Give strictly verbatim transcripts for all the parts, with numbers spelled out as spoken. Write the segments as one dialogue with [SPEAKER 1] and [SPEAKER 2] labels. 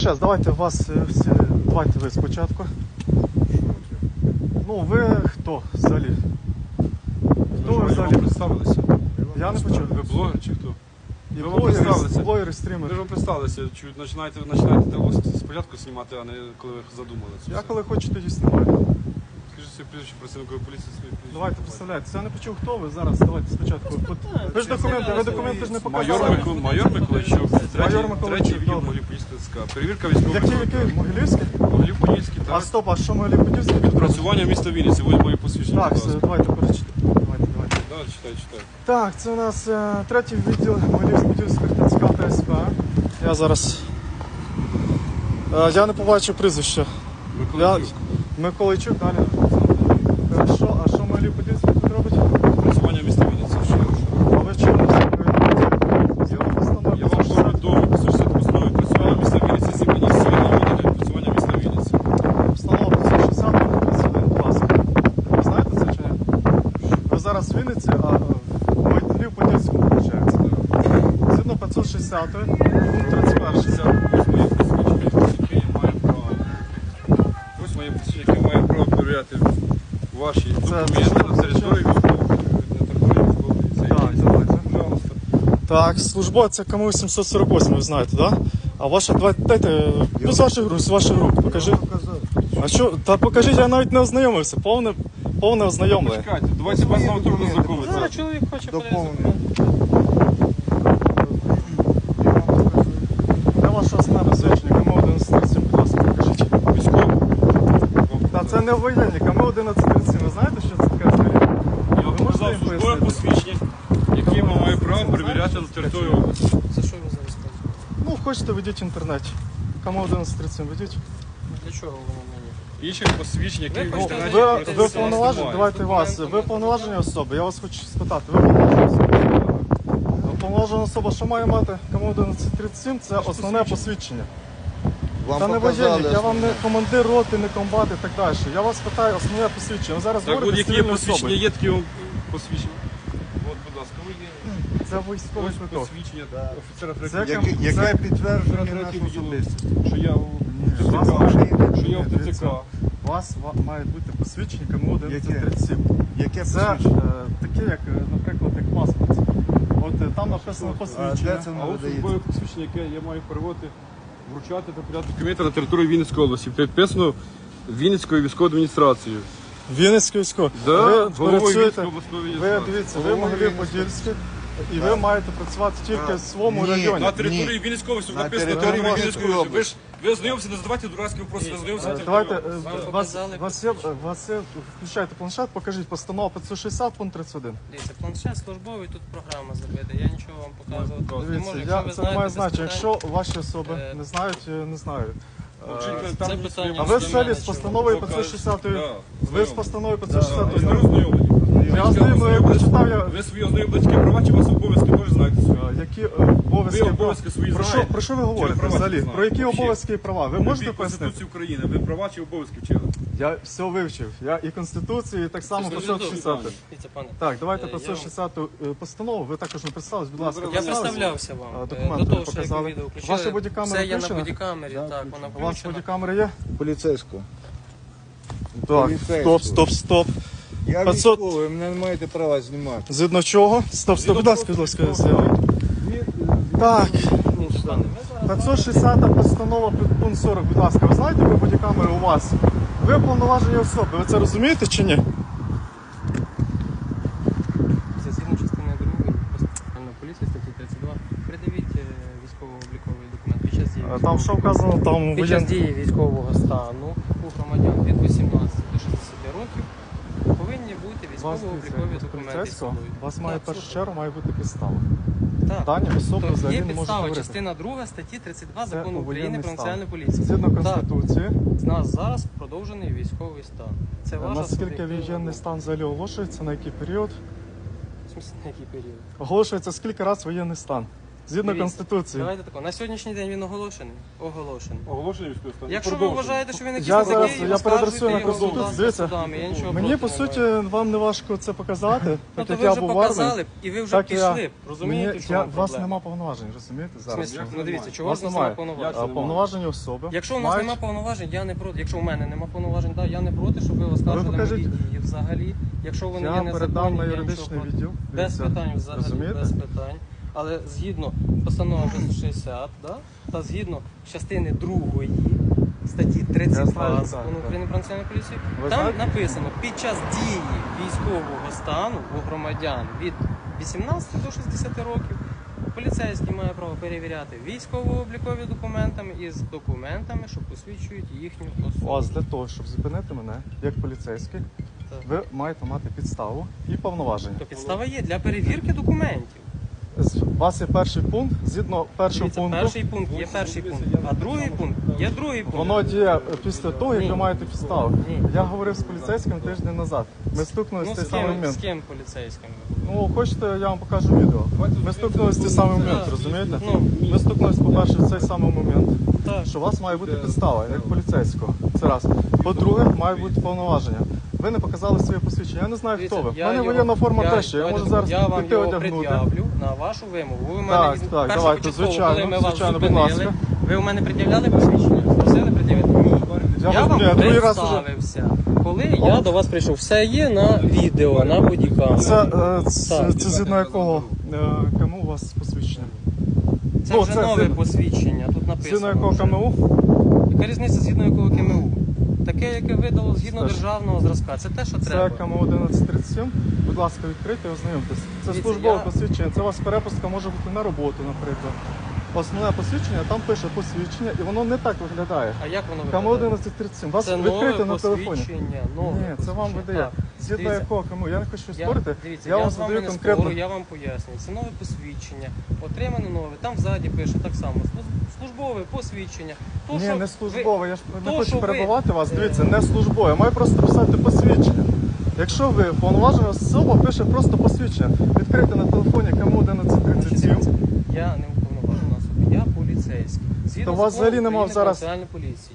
[SPEAKER 1] Зараз, давайте вас всі, давайте ви спочатку. Ну, ви хто взагалі? Хто ви взагалі?
[SPEAKER 2] Представилися?
[SPEAKER 1] Я не почув.
[SPEAKER 2] Ви блогер чи хто?
[SPEAKER 1] І
[SPEAKER 2] Ви вам
[SPEAKER 1] блогери,
[SPEAKER 2] представилися?
[SPEAKER 1] блогери,
[SPEAKER 2] Ви
[SPEAKER 1] стрімери.
[SPEAKER 2] ж вам представилися, чуть починаєте, починаєте того спочатку знімати, а не коли ви задумали це
[SPEAKER 1] Я
[SPEAKER 2] все.
[SPEAKER 1] коли хочу, тоді знімаю.
[SPEAKER 2] Скажіть своє прізвище працівникові поліції, своє прізвище.
[SPEAKER 1] Давайте представляйтеся. Я не почув, хто ви зараз. Давайте спочатку. Ви ж документи, ви документи ж не
[SPEAKER 2] Майор,
[SPEAKER 1] показали.
[SPEAKER 2] Микол, майор Миколайчук, третій,
[SPEAKER 1] Майор Миколайчук,
[SPEAKER 2] третій відділ
[SPEAKER 1] добре.
[SPEAKER 2] Могилів-Подільського ТЦК. Перевірка військових.
[SPEAKER 1] Які, які? Могилівські?
[SPEAKER 2] Могилів-Подільський,
[SPEAKER 1] А
[SPEAKER 2] так.
[SPEAKER 1] стоп, а що Могилів-Подільський тут робить?
[SPEAKER 2] Працювання міста Вінниці, ось мої посвідчення.
[SPEAKER 1] Так,
[SPEAKER 2] будь
[SPEAKER 1] все,
[SPEAKER 2] ласка.
[SPEAKER 1] давайте перечитайте. Давайте, давайте.
[SPEAKER 2] Да, читай, читай.
[SPEAKER 1] Так, це у нас е, третій відділ Могилів-Подільських ТЦК та СП. Я зараз... Е, я не побачив прізвище. Я...
[SPEAKER 2] Миколайчук.
[SPEAKER 1] Миколайчук, далі. Хорошо, а що Могилів-Подільський тут робить?
[SPEAKER 2] Працювання міста Вінниці. Що?
[SPEAKER 1] А ви чому
[SPEAKER 2] Я вам повідомив, по сто постанови працювання міста Вінниці, зімені цивільного водителя працювання міста Вінниці.
[SPEAKER 1] Встановлено п'ятсот шістдесят, будь ласка. Ви знаєте це чи ні? Ви зараз в Вінниці, а в Могилів-Подільському, виходить. Згідно п'ятсот шістдесят, пункт тридцять перший.
[SPEAKER 2] Ось мої посвідчення, які я маю право. Ось мої посвідчення, які я маю право перевіряти ваші документи на території військової поліції.
[SPEAKER 1] Так, давайте.
[SPEAKER 2] Пожалуйста.
[SPEAKER 1] Так, службовця КМУ сімсот сорок вісім, ви знаєте, так? Да? А ваша, давайте, дайте, ну з ваших рук, з ваших рук, покажи. А що, та покажіть, я навіть не ознайомився, повне, повне ознайомлення.
[SPEAKER 2] Почекайте, давайте вас на трудно знайомитися.
[SPEAKER 3] Зараз чоловік хоче подивитися.
[SPEAKER 1] Де ваше основне посвідчення? КМУ одинадцять тридцять сім, будь ласка, покажіть.
[SPEAKER 2] Військовий.
[SPEAKER 1] Та це не воєнні, КМУ одинадцять тридцять сім, ви знаєте, що це таке взагалі?
[SPEAKER 2] Я вам показав службове посвідчення, яке я маю право перевіряти на території області.
[SPEAKER 3] За що ви зараз кажете?
[SPEAKER 1] Ну, хочете, ведіть в інтернеті. КМУ одинадцять тридцять сім, ведіть.
[SPEAKER 3] Для чого воно мені?
[SPEAKER 2] Інші посвідчення, які
[SPEAKER 3] Ви
[SPEAKER 2] в
[SPEAKER 3] хочете
[SPEAKER 2] інтернеті
[SPEAKER 1] Ви,
[SPEAKER 3] Давайте,
[SPEAKER 1] ви
[SPEAKER 2] просто
[SPEAKER 1] повноважені,
[SPEAKER 2] немає.
[SPEAKER 1] давайте вас, ви повноважені особи, я вас хочу спитати, ви повноважені особи? Повноважена особа, що має мати? КМУ одинадцять тридцять сім, це основне посвідчення.
[SPEAKER 4] Вам
[SPEAKER 1] Та не
[SPEAKER 4] показали
[SPEAKER 1] воєнник, я вам не
[SPEAKER 4] основне.
[SPEAKER 1] командир роти, не комбат і так далі. Я вас питаю основне посвідчення. Ви зараз
[SPEAKER 2] Так,
[SPEAKER 1] говорите
[SPEAKER 2] будь-які
[SPEAKER 1] з
[SPEAKER 2] є
[SPEAKER 1] цивільною
[SPEAKER 2] посвідчення,
[SPEAKER 1] особою.
[SPEAKER 2] є такі вам посвідчення. От, будь ласка, ви є.
[SPEAKER 1] Це військовий
[SPEAKER 2] Ось
[SPEAKER 1] квиток.
[SPEAKER 2] посвідчення офіцера
[SPEAKER 1] Це
[SPEAKER 2] третього.
[SPEAKER 1] яке-
[SPEAKER 4] Яке, яке підтверджує
[SPEAKER 2] Третій
[SPEAKER 4] нашу
[SPEAKER 2] відділ.
[SPEAKER 4] особистість.
[SPEAKER 2] Що я у
[SPEAKER 1] вас
[SPEAKER 2] ТЦК,
[SPEAKER 1] ваше
[SPEAKER 2] що я в
[SPEAKER 1] Дивіться,
[SPEAKER 2] ТЦК.
[SPEAKER 1] У вас ва- має бути посвідчення КМУ одинадцять тридцять сім.
[SPEAKER 4] Яке
[SPEAKER 1] Це
[SPEAKER 4] посвідчення?
[SPEAKER 1] е, таке, як, е, наприклад, як паспорт. От е, там написано
[SPEAKER 4] А
[SPEAKER 1] посвідчення.
[SPEAKER 4] де це
[SPEAKER 2] А
[SPEAKER 4] не
[SPEAKER 2] ось
[SPEAKER 4] видається?
[SPEAKER 2] службове посвідчення, яке я маю переводити, вручати та передати документи на територію Вінницької області. Підписано Вінницькою військовою адміністрацією.
[SPEAKER 1] Вінницький військовий.
[SPEAKER 2] Да,
[SPEAKER 1] Ви
[SPEAKER 2] головою
[SPEAKER 1] працюєте,
[SPEAKER 2] Вінницької обласної
[SPEAKER 1] ви
[SPEAKER 2] адміністрації.
[SPEAKER 1] дивіться, ви Могилів-Подільський, і ви маєте працювати тільки в своєму
[SPEAKER 4] Ні.
[SPEAKER 1] районі.
[SPEAKER 2] На території Вінницької області
[SPEAKER 4] На
[SPEAKER 2] написано
[SPEAKER 4] території
[SPEAKER 2] територія Вінницької
[SPEAKER 4] Вінницької
[SPEAKER 2] області. Ви ж ви ознайомся, не задавайте дурацькі вопроси, ви ознайомся на
[SPEAKER 1] Е,
[SPEAKER 2] території
[SPEAKER 1] Давайте, е,
[SPEAKER 2] області.
[SPEAKER 1] вас,
[SPEAKER 3] показали
[SPEAKER 1] вас, є, вас є, включайте планшет, покажіть постанова п'ятсот шістдесят, пункт тридцять один.
[SPEAKER 3] Дивіться, планшет службовий, тут програма забита. Я нічого вам показувати не
[SPEAKER 1] Дивіться,
[SPEAKER 3] можу.
[SPEAKER 1] я,
[SPEAKER 3] Якщо ви
[SPEAKER 1] це не
[SPEAKER 3] знаєте
[SPEAKER 1] має
[SPEAKER 3] без
[SPEAKER 1] значення.
[SPEAKER 3] питань,
[SPEAKER 1] Якщо ваші особи
[SPEAKER 3] Е,
[SPEAKER 1] не знають, е, не знають. Е,
[SPEAKER 2] Вчителька,
[SPEAKER 3] це
[SPEAKER 2] там є
[SPEAKER 3] питання
[SPEAKER 2] своє
[SPEAKER 1] А ви
[SPEAKER 3] до
[SPEAKER 1] взагалі
[SPEAKER 3] мене,
[SPEAKER 1] з
[SPEAKER 3] чому?
[SPEAKER 1] постановою
[SPEAKER 2] Покажете.
[SPEAKER 1] п'ятсот шістдесят,
[SPEAKER 2] Да,
[SPEAKER 1] ви з
[SPEAKER 2] знайомі.
[SPEAKER 1] постановою п'ятсот шістдесят
[SPEAKER 2] Ви не ознайомлені.
[SPEAKER 1] Я ознайомлений, я прочитав, я-
[SPEAKER 2] Ви свої ознайомлені права чи у вас обов'язки теж знаєте свої?
[SPEAKER 1] Е, які е, обов'язки,
[SPEAKER 2] Ви обов'язки свої
[SPEAKER 1] про що,
[SPEAKER 2] знаєте?
[SPEAKER 1] про що ви
[SPEAKER 2] Чи
[SPEAKER 1] говорите
[SPEAKER 2] права
[SPEAKER 1] взагалі?
[SPEAKER 2] не знаєте?
[SPEAKER 1] Про які
[SPEAKER 2] Вообще.
[SPEAKER 1] обов'язки і права? Ви можете
[SPEAKER 2] Любіть
[SPEAKER 1] пояснити?
[SPEAKER 2] Конституцію України, ви права чи обов'язки вчили?
[SPEAKER 1] Я все вивчив. Я і Конституцію, і так само
[SPEAKER 3] Дуже
[SPEAKER 1] п'ятсот
[SPEAKER 3] добре.
[SPEAKER 1] шістдесят.
[SPEAKER 3] Дивіться, пане.
[SPEAKER 1] Так, давайте
[SPEAKER 3] Е, я
[SPEAKER 1] п'ятсот шістдесят постанову. Ви також не представились, будь ласка.
[SPEAKER 3] Я
[SPEAKER 1] представились?
[SPEAKER 3] представлявся
[SPEAKER 1] А,
[SPEAKER 3] вам. Е,
[SPEAKER 1] документи
[SPEAKER 3] До того, що
[SPEAKER 1] показали.
[SPEAKER 3] як ви відео включили.
[SPEAKER 1] Ваша бодікамера
[SPEAKER 3] Все є на
[SPEAKER 1] включена?
[SPEAKER 3] бодікамері, так, вона
[SPEAKER 1] У вас
[SPEAKER 3] включена.
[SPEAKER 1] бодікамери є?
[SPEAKER 4] Поліцейського.
[SPEAKER 1] Так,
[SPEAKER 4] Поліцейського.
[SPEAKER 1] стоп, стоп, стоп.
[SPEAKER 4] Я
[SPEAKER 1] п'ятсот
[SPEAKER 4] військовий, мене не маєте права знімати.
[SPEAKER 1] Згідно чого? Стоп, стоп, будь ласка, будь ласка, я- Так,
[SPEAKER 3] Пане, ми зараз-
[SPEAKER 1] п'ятсот шістдесят постанова пункт сорок, будь ласка. Ви знаєте, ви бодікамери у вас? Ви повноважені особи, ви це розумієте чи ні?
[SPEAKER 3] Це згідно частини другої Національної поліції статті тридцять два. Придивіть е, військово-обліковий документ під час дії.
[SPEAKER 1] А Там що вказано, там
[SPEAKER 3] Під час
[SPEAKER 1] воєн...
[SPEAKER 3] дії військового стану у громадян від вісімнадцяти до шістдесяти років повинні бути
[SPEAKER 1] Вас,
[SPEAKER 3] військово-облікові
[SPEAKER 1] дивіться,
[SPEAKER 3] документи.
[SPEAKER 1] поліцейського,
[SPEAKER 3] з собою.
[SPEAKER 1] у вас має в
[SPEAKER 3] Так,
[SPEAKER 1] першу
[SPEAKER 3] слухаю.
[SPEAKER 1] чергу має бути підстава.
[SPEAKER 3] Так.
[SPEAKER 1] Дані особи
[SPEAKER 3] Тобто
[SPEAKER 1] взагалі
[SPEAKER 3] є
[SPEAKER 1] не можуть
[SPEAKER 3] підстава,
[SPEAKER 1] говорити.
[SPEAKER 3] частина друга статті тридцять два
[SPEAKER 1] Це
[SPEAKER 3] закону
[SPEAKER 1] у
[SPEAKER 3] України
[SPEAKER 1] воєнний
[SPEAKER 3] про
[SPEAKER 1] стан.
[SPEAKER 3] національну поліцію.
[SPEAKER 1] Згідно Конституції,
[SPEAKER 3] З нас зараз продовжений військовий стан. Це ваша
[SPEAKER 1] наскільки
[SPEAKER 3] суб'єктивна
[SPEAKER 1] воєнний
[SPEAKER 3] думка.
[SPEAKER 1] стан взагалі оголошується, на який період?
[SPEAKER 3] В смысле, на який період?
[SPEAKER 1] Оголошується скільки разів воєнний стан? Згідно
[SPEAKER 3] Дивіться,
[SPEAKER 1] Конституції.
[SPEAKER 3] Давайте тако. На сьогоднішній день він оголошений. Оголошений.
[SPEAKER 2] Оголошення військового стану.
[SPEAKER 3] Якщо ви
[SPEAKER 2] Продовжуємо.
[SPEAKER 3] вважаєте, що він якийсь
[SPEAKER 1] Я
[SPEAKER 3] не
[SPEAKER 1] зараз-
[SPEAKER 3] такий,
[SPEAKER 1] я переадресую на
[SPEAKER 3] оскаржуйте його,
[SPEAKER 1] Конституцію.
[SPEAKER 3] будь ласка,
[SPEAKER 1] Дивіться,
[SPEAKER 3] судами. Я нічого
[SPEAKER 1] Мені,
[SPEAKER 3] проти
[SPEAKER 1] по
[SPEAKER 3] не
[SPEAKER 1] суті,
[SPEAKER 3] маю.
[SPEAKER 1] вам не важко це показати,
[SPEAKER 3] Ну,
[SPEAKER 1] так
[SPEAKER 3] то
[SPEAKER 1] як
[SPEAKER 3] ви
[SPEAKER 1] я
[SPEAKER 3] вже
[SPEAKER 1] був в армії.
[SPEAKER 3] показали, і ви вже
[SPEAKER 1] Так я-
[SPEAKER 3] пішли. Розумієте,
[SPEAKER 1] Мені,
[SPEAKER 3] в
[SPEAKER 1] я,
[SPEAKER 3] чому
[SPEAKER 1] у вас
[SPEAKER 3] проблема?
[SPEAKER 1] нема повноважень, розумієте,
[SPEAKER 3] В
[SPEAKER 1] зараз?
[SPEAKER 3] смислі?
[SPEAKER 1] що?
[SPEAKER 3] Ну дивіться, чого
[SPEAKER 1] Вас
[SPEAKER 3] ж у нас
[SPEAKER 1] немає.
[SPEAKER 3] немає повноважень?
[SPEAKER 1] А, повноважені особи.
[SPEAKER 3] Якщо у нас
[SPEAKER 1] мають-
[SPEAKER 3] немає повноважень, я не проти. Якщо у мене немає повноважень, да, я не проти, щоб ви оскаржили
[SPEAKER 1] покажіть.
[SPEAKER 3] мої дії взагалі. Якщо вони є
[SPEAKER 1] Я
[SPEAKER 3] незаконні,
[SPEAKER 1] передам на
[SPEAKER 3] я
[SPEAKER 1] юридичний
[SPEAKER 3] нічого проти.
[SPEAKER 1] відділ.
[SPEAKER 3] Без
[SPEAKER 1] Дивіться,
[SPEAKER 3] питань взагалі,
[SPEAKER 1] розумієте?
[SPEAKER 3] без питань. Але згідно постанови шістсот шістдесят, да, та згідно частини другої статті
[SPEAKER 1] Я
[SPEAKER 3] тридцять
[SPEAKER 1] знаю,
[SPEAKER 3] два
[SPEAKER 1] так,
[SPEAKER 3] закону
[SPEAKER 1] так.
[SPEAKER 3] України про національну поліцію,
[SPEAKER 1] Ви
[SPEAKER 3] там
[SPEAKER 1] знаєте?
[SPEAKER 3] написано, під час дії військового стану у громадян від вісімнадцяти до шістдесяти років поліцейський має право перевіряти військово-облікові документами із документами, що посвідчують їхню особу.
[SPEAKER 1] У вас для того, щоб зупинити мене, як поліцейський,
[SPEAKER 3] Так.
[SPEAKER 1] ви маєте мати підставу і повноваження.
[SPEAKER 3] То підстава є для перевірки документів.
[SPEAKER 1] З- У вас є перший пункт, згідно першого
[SPEAKER 3] Дивіться,
[SPEAKER 1] пункту,
[SPEAKER 3] перший пункт є перший пункт, а другий пункт є другий пункт.
[SPEAKER 1] воно діє після того, як
[SPEAKER 3] Ні.
[SPEAKER 1] ви маєте підставу.
[SPEAKER 3] Ні.
[SPEAKER 1] Я говорив з поліцейським тиждень назад. Ми стукнулися
[SPEAKER 3] Ну,
[SPEAKER 1] в той
[SPEAKER 3] з
[SPEAKER 1] самий
[SPEAKER 3] ким,
[SPEAKER 1] момент.
[SPEAKER 3] з ким поліцейським?
[SPEAKER 1] Ну, хочете, я вам покажу відео. Ми стукнулися в той самий момент,
[SPEAKER 3] Так.
[SPEAKER 1] розумієте?
[SPEAKER 3] Ну.
[SPEAKER 1] Ми стукнулися, по-перше, в цей самий момент,
[SPEAKER 3] Так.
[SPEAKER 1] що у вас має бути підстава, як поліцейського. Це раз. По-друге, має бути повноваження. Ви не показали своє посвідчення. Я не знаю,
[SPEAKER 3] Дивіться,
[SPEAKER 1] хто ви. У
[SPEAKER 3] я
[SPEAKER 1] мене
[SPEAKER 3] його-
[SPEAKER 1] воєнна форма
[SPEAKER 3] я-
[SPEAKER 1] теж. є. Я
[SPEAKER 3] давайте
[SPEAKER 1] можу зараз
[SPEAKER 3] я вам
[SPEAKER 1] піти
[SPEAKER 3] його
[SPEAKER 1] одягнути.
[SPEAKER 3] пред'явлю на вашу вимогу. Ви у мене
[SPEAKER 1] Так,
[SPEAKER 3] віз-
[SPEAKER 1] так,
[SPEAKER 3] перше
[SPEAKER 1] давайте,
[SPEAKER 3] початково,
[SPEAKER 1] звичайно,
[SPEAKER 3] коли ми вас
[SPEAKER 1] звичайно, будь
[SPEAKER 3] зупинили,
[SPEAKER 1] ласка.
[SPEAKER 3] ви у мене пред'являли посвідчення? Просили пред'явити? Ні.
[SPEAKER 1] Я
[SPEAKER 3] Я
[SPEAKER 1] вас-
[SPEAKER 3] вам
[SPEAKER 1] ні, я другий раз уже-
[SPEAKER 3] представився. Коли я до вас прийшов, все є на відео, на бодікамері.
[SPEAKER 1] Це, е, це,
[SPEAKER 3] Так.
[SPEAKER 1] це згідно якого е, кому у вас посвідчення?
[SPEAKER 3] Це
[SPEAKER 1] ну,
[SPEAKER 3] вже
[SPEAKER 1] це
[SPEAKER 3] нове
[SPEAKER 1] згідно-
[SPEAKER 3] посвідчення, тут написано.
[SPEAKER 1] Згідно якого
[SPEAKER 3] вже.
[SPEAKER 1] КМУ?
[SPEAKER 3] Яка різниця згідно якого КМУ? Таке, яке видало згідно
[SPEAKER 1] Теж.
[SPEAKER 3] державного зразка. Це те, що
[SPEAKER 1] Це
[SPEAKER 3] треба.
[SPEAKER 1] КМУ одинадцять тридцять сім. Будь ласка, відкрийте і ознайомтесь. Це
[SPEAKER 3] Дивіться,
[SPEAKER 1] службове
[SPEAKER 3] я-
[SPEAKER 1] посвідчення. Це у вас перепустка може бути на роботу, наприклад. Основне посвідчення, там пише посвідчення, і воно не так виглядає.
[SPEAKER 3] А як воно
[SPEAKER 1] КМУ
[SPEAKER 3] виглядає?
[SPEAKER 1] одинадцять тридцять сім. Вас
[SPEAKER 3] Це
[SPEAKER 1] відкрите
[SPEAKER 3] нове
[SPEAKER 1] на телефоні.
[SPEAKER 3] посвідчення. Нове
[SPEAKER 1] Ні, це вам
[SPEAKER 3] посвідчення.
[SPEAKER 1] видає.
[SPEAKER 3] Так.
[SPEAKER 1] Згідно
[SPEAKER 3] Дивіться,
[SPEAKER 1] якого КМУ. Я не хочу
[SPEAKER 3] Я,
[SPEAKER 1] спорити.
[SPEAKER 3] дивіться,
[SPEAKER 1] Я
[SPEAKER 3] я,
[SPEAKER 1] вам
[SPEAKER 3] з вами
[SPEAKER 1] задаю
[SPEAKER 3] не
[SPEAKER 1] конкретно.
[SPEAKER 3] спорю, я вам пояснюю. Це нове посвідчення, отримане нове. Там ззаді пише так само. служ- Службове посвідчення. То,
[SPEAKER 1] Ні,
[SPEAKER 3] що
[SPEAKER 1] не
[SPEAKER 3] ви-
[SPEAKER 1] службове. Я ж не
[SPEAKER 3] то,
[SPEAKER 1] хочу
[SPEAKER 3] що ви-
[SPEAKER 1] перебивати вас.
[SPEAKER 3] е,
[SPEAKER 1] Дивіться, не службове. Я маю просто писати посвідчення. Якщо ви повноважена особа, пише просто посвідчення. Відкрите на телефоні КМУ одинадцять тридцять сім.
[SPEAKER 3] Я не уповноважена особа, я поліцейський. Згідно
[SPEAKER 1] То у вас
[SPEAKER 3] закону
[SPEAKER 1] взагалі нема
[SPEAKER 3] України
[SPEAKER 1] зараз-
[SPEAKER 3] про національну поліції.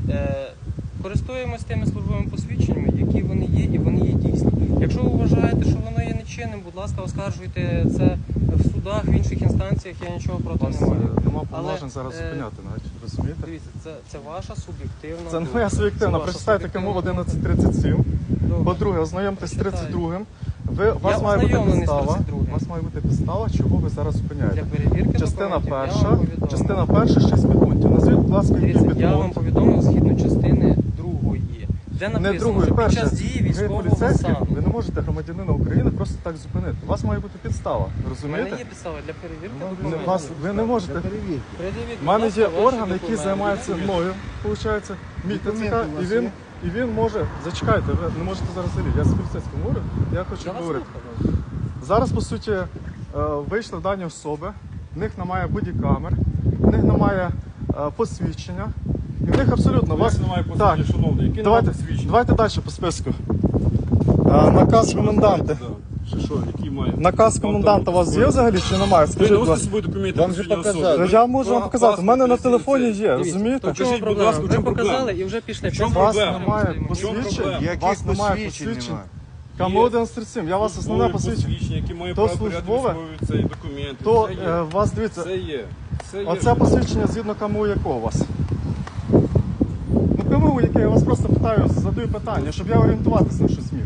[SPEAKER 3] Е, користуємось тими службовими посвідченнями, які вони є, і вони є дійсні. Якщо ви вважаєте, що воно є нечинним, будь ласка, оскаржуйте це в судах, в інших інстанціях, я нічого
[SPEAKER 1] У
[SPEAKER 3] проти
[SPEAKER 1] вас
[SPEAKER 3] не маю.
[SPEAKER 1] е, нема
[SPEAKER 3] Але,
[SPEAKER 1] повноважень зараз
[SPEAKER 3] е,
[SPEAKER 1] зупиняти навіть, розумієте?
[SPEAKER 3] Дивіться, це, це ваша суб'єктивна
[SPEAKER 1] Це не
[SPEAKER 3] думка.
[SPEAKER 1] моя суб'єктивна.
[SPEAKER 3] Це ваша
[SPEAKER 1] Прочитайте
[SPEAKER 3] суб'єктивна
[SPEAKER 1] КМУ
[SPEAKER 3] думка.
[SPEAKER 1] одинадцять тридцять сім.
[SPEAKER 3] Добре.
[SPEAKER 1] По-друге, ознайомтесь з
[SPEAKER 3] Прочитаю.
[SPEAKER 1] тридцять другим. Ви, у вас
[SPEAKER 3] Я
[SPEAKER 1] має бути
[SPEAKER 3] ознайомлений з
[SPEAKER 1] підстава.
[SPEAKER 3] тридцять другим.
[SPEAKER 1] У вас має бути підстава, чого ви зараз
[SPEAKER 3] Для
[SPEAKER 1] зупиняєте.
[SPEAKER 3] перевірки
[SPEAKER 1] Частина
[SPEAKER 3] документів я
[SPEAKER 1] перша,
[SPEAKER 3] вам повідомив.
[SPEAKER 1] частина перша, шість підпунктів. Назвіть, будь ласка, який
[SPEAKER 3] Дивіться, я вам
[SPEAKER 1] підпункт.
[SPEAKER 3] повідомив згідно частини другої, де написано,
[SPEAKER 1] Не другої,
[SPEAKER 3] що під
[SPEAKER 1] перше.
[SPEAKER 3] час дії
[SPEAKER 1] Ви
[SPEAKER 3] військового
[SPEAKER 1] поліцейський,
[SPEAKER 3] стану.
[SPEAKER 1] ви не можете громадянина України просто так зупинити. У вас має бути підстава,
[SPEAKER 3] У мене
[SPEAKER 1] розумієте?
[SPEAKER 3] є підстава для перевірки
[SPEAKER 1] Не-
[SPEAKER 3] документів.
[SPEAKER 1] вас, ви не можете.
[SPEAKER 4] Перевірки.
[SPEAKER 3] Пред'явіть,
[SPEAKER 1] У мене
[SPEAKER 3] будь
[SPEAKER 1] є
[SPEAKER 3] ласка, ваші
[SPEAKER 1] орган, який
[SPEAKER 3] документи.
[SPEAKER 1] займається мною, виходить, мій ТЦК,
[SPEAKER 4] Документи у
[SPEAKER 1] і
[SPEAKER 4] вас
[SPEAKER 1] він,
[SPEAKER 4] є?
[SPEAKER 1] і він може. Зачекайте, ви не можете зараз залізти. Я з поліцейським говорю, я хочу
[SPEAKER 3] Я вас
[SPEAKER 1] говорити.
[SPEAKER 3] слухаю.
[SPEAKER 1] Зараз, по суті, е, вийшли дані особи, в них немає бодікамер, в них немає е, посвідчення. І в них абсолютно
[SPEAKER 2] У
[SPEAKER 1] вас.
[SPEAKER 2] вас немає посвідчення,
[SPEAKER 1] Так,
[SPEAKER 2] шановний, яке
[SPEAKER 1] давайте,
[SPEAKER 2] немає посвідчення?
[SPEAKER 1] давайте далі по списку. Е, наказ коменданта.
[SPEAKER 2] Чи що, який має?
[SPEAKER 1] Наказ коменданта у вас є взагалі чи немає?
[SPEAKER 2] Ви
[SPEAKER 1] Скажіть,
[SPEAKER 2] не
[SPEAKER 1] будь
[SPEAKER 2] носите з
[SPEAKER 1] ласка.
[SPEAKER 2] собою документи
[SPEAKER 4] Вам же
[SPEAKER 2] посвідчення
[SPEAKER 4] показали.
[SPEAKER 2] особи?
[SPEAKER 1] Я можу вам
[SPEAKER 2] Па-
[SPEAKER 1] показати. У мене на
[SPEAKER 2] паспорт,
[SPEAKER 1] телефоні
[SPEAKER 2] реєстрація.
[SPEAKER 1] є,
[SPEAKER 3] Дивіться,
[SPEAKER 1] розумієте?
[SPEAKER 3] то в чому
[SPEAKER 2] Скажіть, будь
[SPEAKER 3] проблема?
[SPEAKER 2] ласка, в
[SPEAKER 3] Ви
[SPEAKER 2] чому
[SPEAKER 3] показали
[SPEAKER 2] проблема?
[SPEAKER 3] і вже пішли.
[SPEAKER 2] В чому
[SPEAKER 1] У вас
[SPEAKER 2] проблема?
[SPEAKER 1] немає
[SPEAKER 2] В чому
[SPEAKER 1] посвідчень,
[SPEAKER 2] проблема?
[SPEAKER 1] у
[SPEAKER 4] Яких
[SPEAKER 1] вас немає
[SPEAKER 4] посвідчень
[SPEAKER 1] посвідчень.
[SPEAKER 4] немає?
[SPEAKER 1] КМУ одинадцять тридцять сім, я вас основне
[SPEAKER 2] Службове
[SPEAKER 1] посвідчення.
[SPEAKER 2] які має
[SPEAKER 1] То
[SPEAKER 2] право перевіряти
[SPEAKER 1] службове,
[SPEAKER 2] військові цей документи.
[SPEAKER 1] То
[SPEAKER 2] Це є.
[SPEAKER 1] е, у вас, дивіться,
[SPEAKER 2] Це є. Це є.
[SPEAKER 1] оце посвідчення згідно КМУ якого у вас? Ну КМУ яке, я вас просто питаю, задаю питання, щоб я орієнтуватися на щось міг.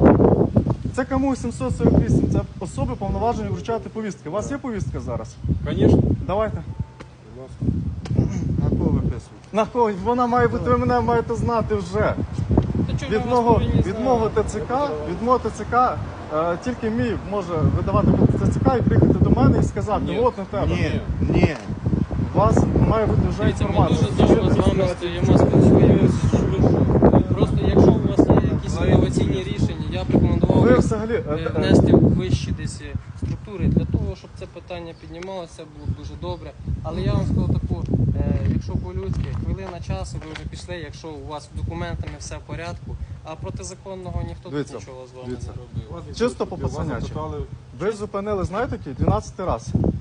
[SPEAKER 1] Це КМУ сімсот сорок вісім, це особи повноважені вручати повістки. У вас є повістка зараз?
[SPEAKER 2] Звісно.
[SPEAKER 1] Давайте.
[SPEAKER 2] Будь ласка.
[SPEAKER 4] На кого виписують?
[SPEAKER 1] На кого? Вона має бути, ви мене маєте знати вже.
[SPEAKER 3] Та чого ми
[SPEAKER 1] Від
[SPEAKER 3] вас
[SPEAKER 1] мого,
[SPEAKER 3] повинні
[SPEAKER 1] від
[SPEAKER 3] знати?
[SPEAKER 1] мого ТЦК, від мого ТЦК, е, тільки мій може видавати ТЦК і приїхати до мене і сказати,
[SPEAKER 2] Ні.
[SPEAKER 1] от на тебе.
[SPEAKER 4] Ні, ні.
[SPEAKER 1] У вас має бути вже
[SPEAKER 3] Дивіться, ми
[SPEAKER 1] інформація.
[SPEAKER 3] дуже довго з вами стоїмо, спілкуємося. Просто якщо у вас є якісь інноваційні рішення, я б рекомендував
[SPEAKER 1] Ви
[SPEAKER 3] їх,
[SPEAKER 1] взагалі,
[SPEAKER 3] е,
[SPEAKER 1] е, е,
[SPEAKER 3] внести в вищі десь е, структури для того, щоб це питання піднімалося, було б дуже добре. Але я вам скажу таку, е, якщо по-людськи, хвилина часу, ви вже пішли, якщо у вас з документами все в порядку, а протизаконного ніхто тут
[SPEAKER 1] Дивіться,
[SPEAKER 3] нічого з вами
[SPEAKER 1] дивіться.
[SPEAKER 3] не робив.
[SPEAKER 1] Чисто по
[SPEAKER 2] Вас
[SPEAKER 1] пацанячі.
[SPEAKER 2] запитали,
[SPEAKER 1] Ви зупинили, знаєте, який? дванадцятий раз.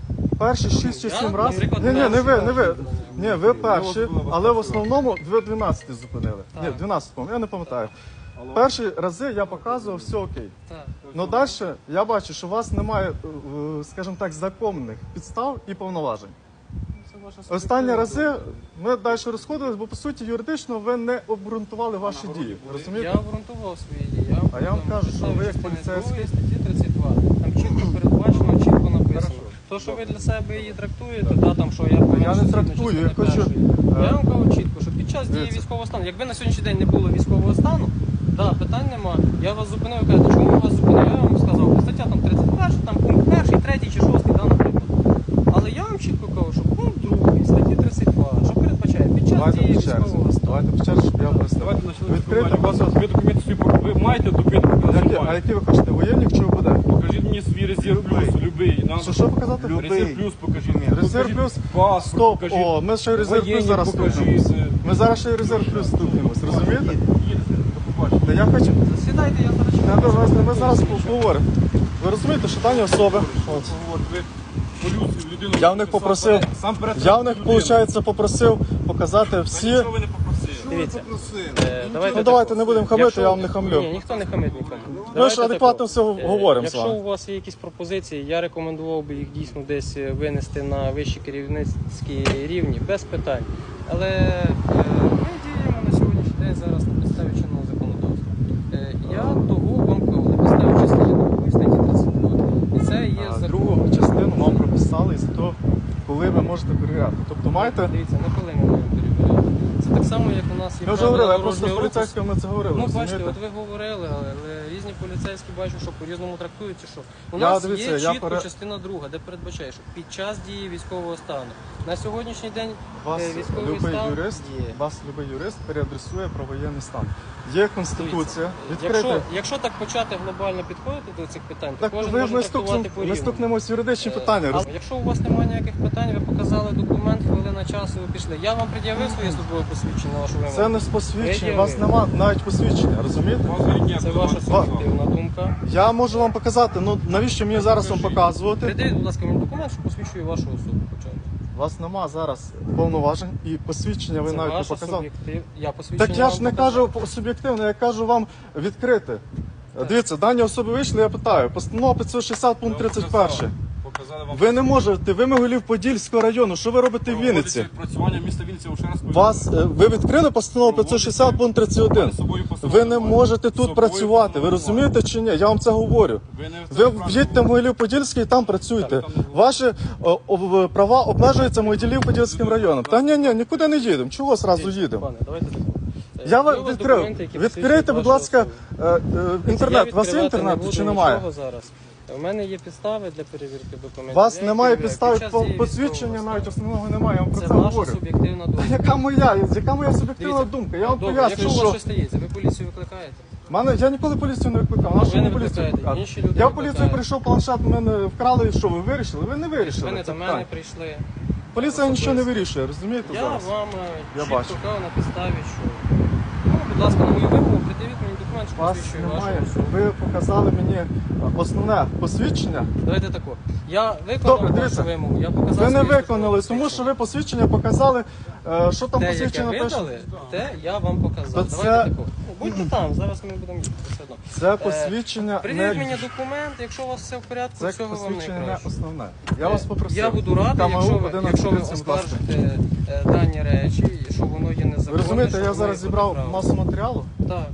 [SPEAKER 1] перші шість чи
[SPEAKER 3] Я,
[SPEAKER 1] сім разів.
[SPEAKER 3] наприклад,
[SPEAKER 1] Ні, ні, не ви, не ви.
[SPEAKER 3] перший
[SPEAKER 1] Ні, ви перші,
[SPEAKER 2] вас було
[SPEAKER 1] але в
[SPEAKER 2] перший
[SPEAKER 1] основному ви дванадцять зупинили. Ні,
[SPEAKER 3] Так.
[SPEAKER 1] дванадцять, я не пам'ятаю. Перші рази я показував, все окей.
[SPEAKER 3] Так.
[SPEAKER 1] Ну далі я бачу, що у вас немає, е, скажімо так, законних підстав і повноважень.
[SPEAKER 3] Це ваша
[SPEAKER 1] Останні
[SPEAKER 3] суб'єктивна
[SPEAKER 1] рази
[SPEAKER 3] думка.
[SPEAKER 1] ми далі розходились, бо по суті юридично ви не обґрунтували ваші дії.
[SPEAKER 3] Я
[SPEAKER 1] Розумієте?
[SPEAKER 3] обґрунтував свої дії.
[SPEAKER 1] А я вам
[SPEAKER 3] там
[SPEAKER 1] кажу, що ви як
[SPEAKER 3] частини
[SPEAKER 1] поліцейський-
[SPEAKER 3] другої статті тридцять два. Там чітко передбачено, чітко написано. То, що ви для себе її трактуєте, та там, що я повинен
[SPEAKER 1] Я не
[SPEAKER 3] згідно
[SPEAKER 1] трактую, я
[SPEAKER 3] частини
[SPEAKER 1] хочу,
[SPEAKER 3] першої.
[SPEAKER 1] е,
[SPEAKER 3] Я вам кажу чітко, що під час дії
[SPEAKER 1] дивіться.
[SPEAKER 3] військового стану, якби на сьогоднішній день не було військового стану, да, питань нема. Я вас зупинив, ви кажете, чому я вас зупинив? Я вам сказав, стаття там тридцять перша, там пункт перший, третій чи шостий, да, наприклад. Але я вам чітко кажу, що пункт другий, статті тридцять два, що передбачає під час
[SPEAKER 1] Давайте
[SPEAKER 3] дії
[SPEAKER 1] по черзі.
[SPEAKER 3] військового стану.
[SPEAKER 1] Давайте по черзі, щоб я пояснив.
[SPEAKER 2] Давайте почнемо з
[SPEAKER 1] Відкрийте,
[SPEAKER 2] компанії. У вас
[SPEAKER 1] будь ласка.
[SPEAKER 2] ви документи свої пок- ви маєте документи? показати?
[SPEAKER 1] Які- А які ви хочете, воєнні чи ОБД?
[SPEAKER 2] Покажіть мені свій резерв плюс, любий. Нам
[SPEAKER 1] Що, що показати?
[SPEAKER 2] резерв плюс покажіть.
[SPEAKER 1] Резерв
[SPEAKER 2] Покажіть
[SPEAKER 1] плюс?
[SPEAKER 2] паспорт,
[SPEAKER 1] Стоп,
[SPEAKER 2] покажіть.
[SPEAKER 1] о, ми ще резерв плюс
[SPEAKER 2] Воєнні
[SPEAKER 1] зараз
[SPEAKER 2] покажіть.
[SPEAKER 1] стукнемось. Ми зараз ще й резерв плюс стукнемось, розумієте?
[SPEAKER 2] Їдете, до побачення.
[SPEAKER 1] Та я хочу,
[SPEAKER 3] Засідайте, я зараз
[SPEAKER 1] не довести, ми зараз поговоримо. Ви розумієте, що дані особи, от,
[SPEAKER 2] От ви полюцію людину.
[SPEAKER 1] я в них
[SPEAKER 2] сам
[SPEAKER 1] попросив,
[SPEAKER 2] перед- сам перед
[SPEAKER 1] я в них,
[SPEAKER 2] людиною.
[SPEAKER 1] виходить, попросив показати
[SPEAKER 2] Та
[SPEAKER 1] всі.
[SPEAKER 2] нічого ви не попросили.
[SPEAKER 3] Дивіться. Е,
[SPEAKER 1] Ну давайте не будемо хамити, я вам не хамлю.
[SPEAKER 3] Ні, ніхто не хамить нікому.
[SPEAKER 1] Ми
[SPEAKER 3] Давайте
[SPEAKER 1] ж адекватно
[SPEAKER 3] тако.
[SPEAKER 1] все
[SPEAKER 3] Е,
[SPEAKER 1] говоримо з
[SPEAKER 3] Якщо
[SPEAKER 1] вами.
[SPEAKER 3] у вас є якісь пропозиції, я рекомендував би їх дійсно десь е, винести на вищі керівницькі рівні, без питань. Але е, ми діємо на сьогоднішній день зараз на підставі чинного законодавства. Е, Я того вам кажу, на підставі частини другої статті тридцять два. І це є
[SPEAKER 1] А
[SPEAKER 3] закон.
[SPEAKER 1] другу частину вам прописали із того, коли ви можете перевіряти. Тобто маєте.
[SPEAKER 3] Дивіться, не коли ми маємо перевіряти. Це так само, як у нас є
[SPEAKER 1] Ми вже
[SPEAKER 3] правила
[SPEAKER 1] говорили, я просто з
[SPEAKER 3] дорожнього руху.
[SPEAKER 1] поліцейськими це говорили.
[SPEAKER 3] Ну, бачите,
[SPEAKER 1] розумієте?
[SPEAKER 3] от ви говорили, але, але різні поліцейські бачу, що по-різному трактують, чи що. У
[SPEAKER 1] Я,
[SPEAKER 3] нас
[SPEAKER 1] дивіться,
[SPEAKER 3] є
[SPEAKER 1] я
[SPEAKER 3] чітко
[SPEAKER 1] пере-
[SPEAKER 3] частина друга, де передбачає, що під час дії військового стану. На сьогоднішній день
[SPEAKER 1] Вас
[SPEAKER 3] е, військовий
[SPEAKER 1] любий
[SPEAKER 3] стан
[SPEAKER 1] юрист,
[SPEAKER 3] є.
[SPEAKER 1] вас любий юрист переадресує про воєнний стан. Є конституція,
[SPEAKER 3] Якщо,
[SPEAKER 1] відкрите.
[SPEAKER 3] якщо так почати глобально підходити до цих питань, то
[SPEAKER 1] Так
[SPEAKER 3] кожен
[SPEAKER 1] ви
[SPEAKER 3] може
[SPEAKER 1] ми
[SPEAKER 3] трактувати
[SPEAKER 1] стукнемо, ми
[SPEAKER 3] по-різному.
[SPEAKER 1] стукнемось в юридичні
[SPEAKER 3] Е,
[SPEAKER 1] питання.
[SPEAKER 3] а
[SPEAKER 1] роз-
[SPEAKER 3] якщо у вас немає ніяких питань, ви показали документ, хвилина часу, ви пішли. Я вам пред'явив своє службове посвідчення на вашу вимогу.
[SPEAKER 1] Це не з посвідчення, у вас
[SPEAKER 3] Пред'явив.
[SPEAKER 1] нема навіть посвідчення, розумієте?
[SPEAKER 2] У вас рідня
[SPEAKER 3] Це
[SPEAKER 2] була.
[SPEAKER 3] ваша суб'єктивна думка.
[SPEAKER 1] Я можу вам показати, ну навіщо мені зараз вам показувати?
[SPEAKER 3] Придивіть, будь ласка, мені документ, що посвідчує вашу особу. хоча б.
[SPEAKER 1] У вас нема зараз повноважень і посвідчення ви
[SPEAKER 3] Це
[SPEAKER 1] навіть не
[SPEAKER 3] ваша
[SPEAKER 1] показали.
[SPEAKER 3] суб'єктив. Я посвідчення
[SPEAKER 1] Так я ж
[SPEAKER 3] вам
[SPEAKER 1] не
[SPEAKER 3] показав.
[SPEAKER 1] кажу суб'єктивно, я кажу вам відкрити. Дивіться, дані особи вийшли, я питаю. Постанова п'ятсот шістдесят пункт тридцять один.
[SPEAKER 2] Показали вам.
[SPEAKER 1] Ви не можете, ви Могилів Подільського району. Що ви робите в Вінниці?
[SPEAKER 2] Проводиться відпрацювання міста Вінниці, я ще раз повідомляю.
[SPEAKER 1] Вас е, ви відкрили постанову п'ятсот шістдесят пункт тридцять один.
[SPEAKER 2] З собою постанову
[SPEAKER 1] Ви не
[SPEAKER 2] немає.
[SPEAKER 1] можете
[SPEAKER 2] З
[SPEAKER 1] тут
[SPEAKER 2] собою
[SPEAKER 1] працювати. Ви
[SPEAKER 2] постанову
[SPEAKER 1] розумієте чи ні? Я вам це говорю.
[SPEAKER 2] Ви не
[SPEAKER 1] Ви в'їдьте в Могилів Подільський і там працюйте.
[SPEAKER 2] Так, там не було.
[SPEAKER 1] Ваші о, о, права обмежуються Могилів Подільським районом. Та ні, ні, нікуди не їдемо. Чого зразу їдемо?
[SPEAKER 3] Пане, давайте так. Е,
[SPEAKER 1] Я
[SPEAKER 3] є
[SPEAKER 1] вам
[SPEAKER 3] у вас
[SPEAKER 1] відкрив.
[SPEAKER 3] документи, які
[SPEAKER 1] Відкрийте,
[SPEAKER 3] посвідчують
[SPEAKER 1] будь
[SPEAKER 3] вашу
[SPEAKER 1] ласка,
[SPEAKER 3] особу?
[SPEAKER 1] е, е, інтернет.
[SPEAKER 3] Я
[SPEAKER 1] У вас є
[SPEAKER 3] відкривати
[SPEAKER 1] інтернет
[SPEAKER 3] не буду
[SPEAKER 1] чи немає?
[SPEAKER 3] нічого зараз. У мене є підстави для перевірки документів.
[SPEAKER 1] У вас
[SPEAKER 3] Я
[SPEAKER 1] немає
[SPEAKER 3] їх перевіряю.
[SPEAKER 1] підстави
[SPEAKER 3] Під час дії
[SPEAKER 1] посвідчення,
[SPEAKER 3] військового
[SPEAKER 1] навіть
[SPEAKER 3] стану.
[SPEAKER 1] основного немає. Я вам про
[SPEAKER 3] Це
[SPEAKER 1] це
[SPEAKER 3] ваша
[SPEAKER 1] говорю.
[SPEAKER 3] суб'єктивна думка.
[SPEAKER 1] Яка моя? Яка моя суб'єктивна
[SPEAKER 3] Дивіться,
[SPEAKER 1] думка? Я вам
[SPEAKER 3] добре,
[SPEAKER 1] пояснюю,
[SPEAKER 3] якщо у вас
[SPEAKER 1] що
[SPEAKER 3] щось стається, ви поліцію викликаєте?
[SPEAKER 1] мене я ніколи поліцію не викликав. Нашу
[SPEAKER 3] ви не
[SPEAKER 1] мені поліцію
[SPEAKER 3] викликаєте,
[SPEAKER 1] викликати?
[SPEAKER 3] інші люди
[SPEAKER 1] Я в
[SPEAKER 3] викликають.
[SPEAKER 1] поліцію прийшов, планшет в мене вкрали. І що ви вирішили? Ви не вирішили.
[SPEAKER 3] Ви не
[SPEAKER 1] це
[SPEAKER 3] до
[SPEAKER 1] питання.
[SPEAKER 3] мене прийшли.
[SPEAKER 1] Поліція нічого не вирішує, розумієте
[SPEAKER 3] Я
[SPEAKER 1] зараз?
[SPEAKER 3] вам е,
[SPEAKER 1] Я
[SPEAKER 3] чітко
[SPEAKER 1] бачу.
[SPEAKER 3] кажу на підставі, що ну, будь ласка, на мою вимогу, придивіть мені документ, що
[SPEAKER 1] Вас
[SPEAKER 3] посвідчує вашу
[SPEAKER 1] немає.
[SPEAKER 3] особу.
[SPEAKER 1] Ви показали мені основне посвідчення.
[SPEAKER 3] Давайте тако. Я
[SPEAKER 1] Добре,
[SPEAKER 3] виконав
[SPEAKER 1] дивіться.
[SPEAKER 3] вашу вимогу, я показав
[SPEAKER 1] Ви не
[SPEAKER 3] своє
[SPEAKER 1] виконали,
[SPEAKER 3] службове
[SPEAKER 1] тому що ви посвідчення показали. е, Що там
[SPEAKER 3] Те, яке
[SPEAKER 1] посвідчення
[SPEAKER 3] ви
[SPEAKER 1] пише?
[SPEAKER 3] дали, те я вам показав.
[SPEAKER 1] То
[SPEAKER 3] Давайте
[SPEAKER 1] це-
[SPEAKER 3] тако. Ну, будьте там, зараз ми будемо їхати все одно.
[SPEAKER 1] Це посвідчення
[SPEAKER 3] Придивіть мені
[SPEAKER 1] не
[SPEAKER 3] документ, якщо у вас все в порядку,
[SPEAKER 1] це
[SPEAKER 3] всього вам
[SPEAKER 1] посвідчення не
[SPEAKER 3] найкраще.
[SPEAKER 1] основне. Я вас попросив.
[SPEAKER 3] Я буду радий,
[SPEAKER 1] КМУ
[SPEAKER 3] якщо ви,
[SPEAKER 1] одинадцять
[SPEAKER 3] якщо ви
[SPEAKER 1] тридцять, будь ласка.
[SPEAKER 3] оскаржите е, дані речі, що воно є
[SPEAKER 1] Ви
[SPEAKER 3] незаконне.
[SPEAKER 1] розумієте,
[SPEAKER 3] що
[SPEAKER 1] я
[SPEAKER 3] воно
[SPEAKER 1] зараз
[SPEAKER 3] є
[SPEAKER 1] зібрав
[SPEAKER 3] протиправне.
[SPEAKER 1] масу матеріалу
[SPEAKER 3] Так.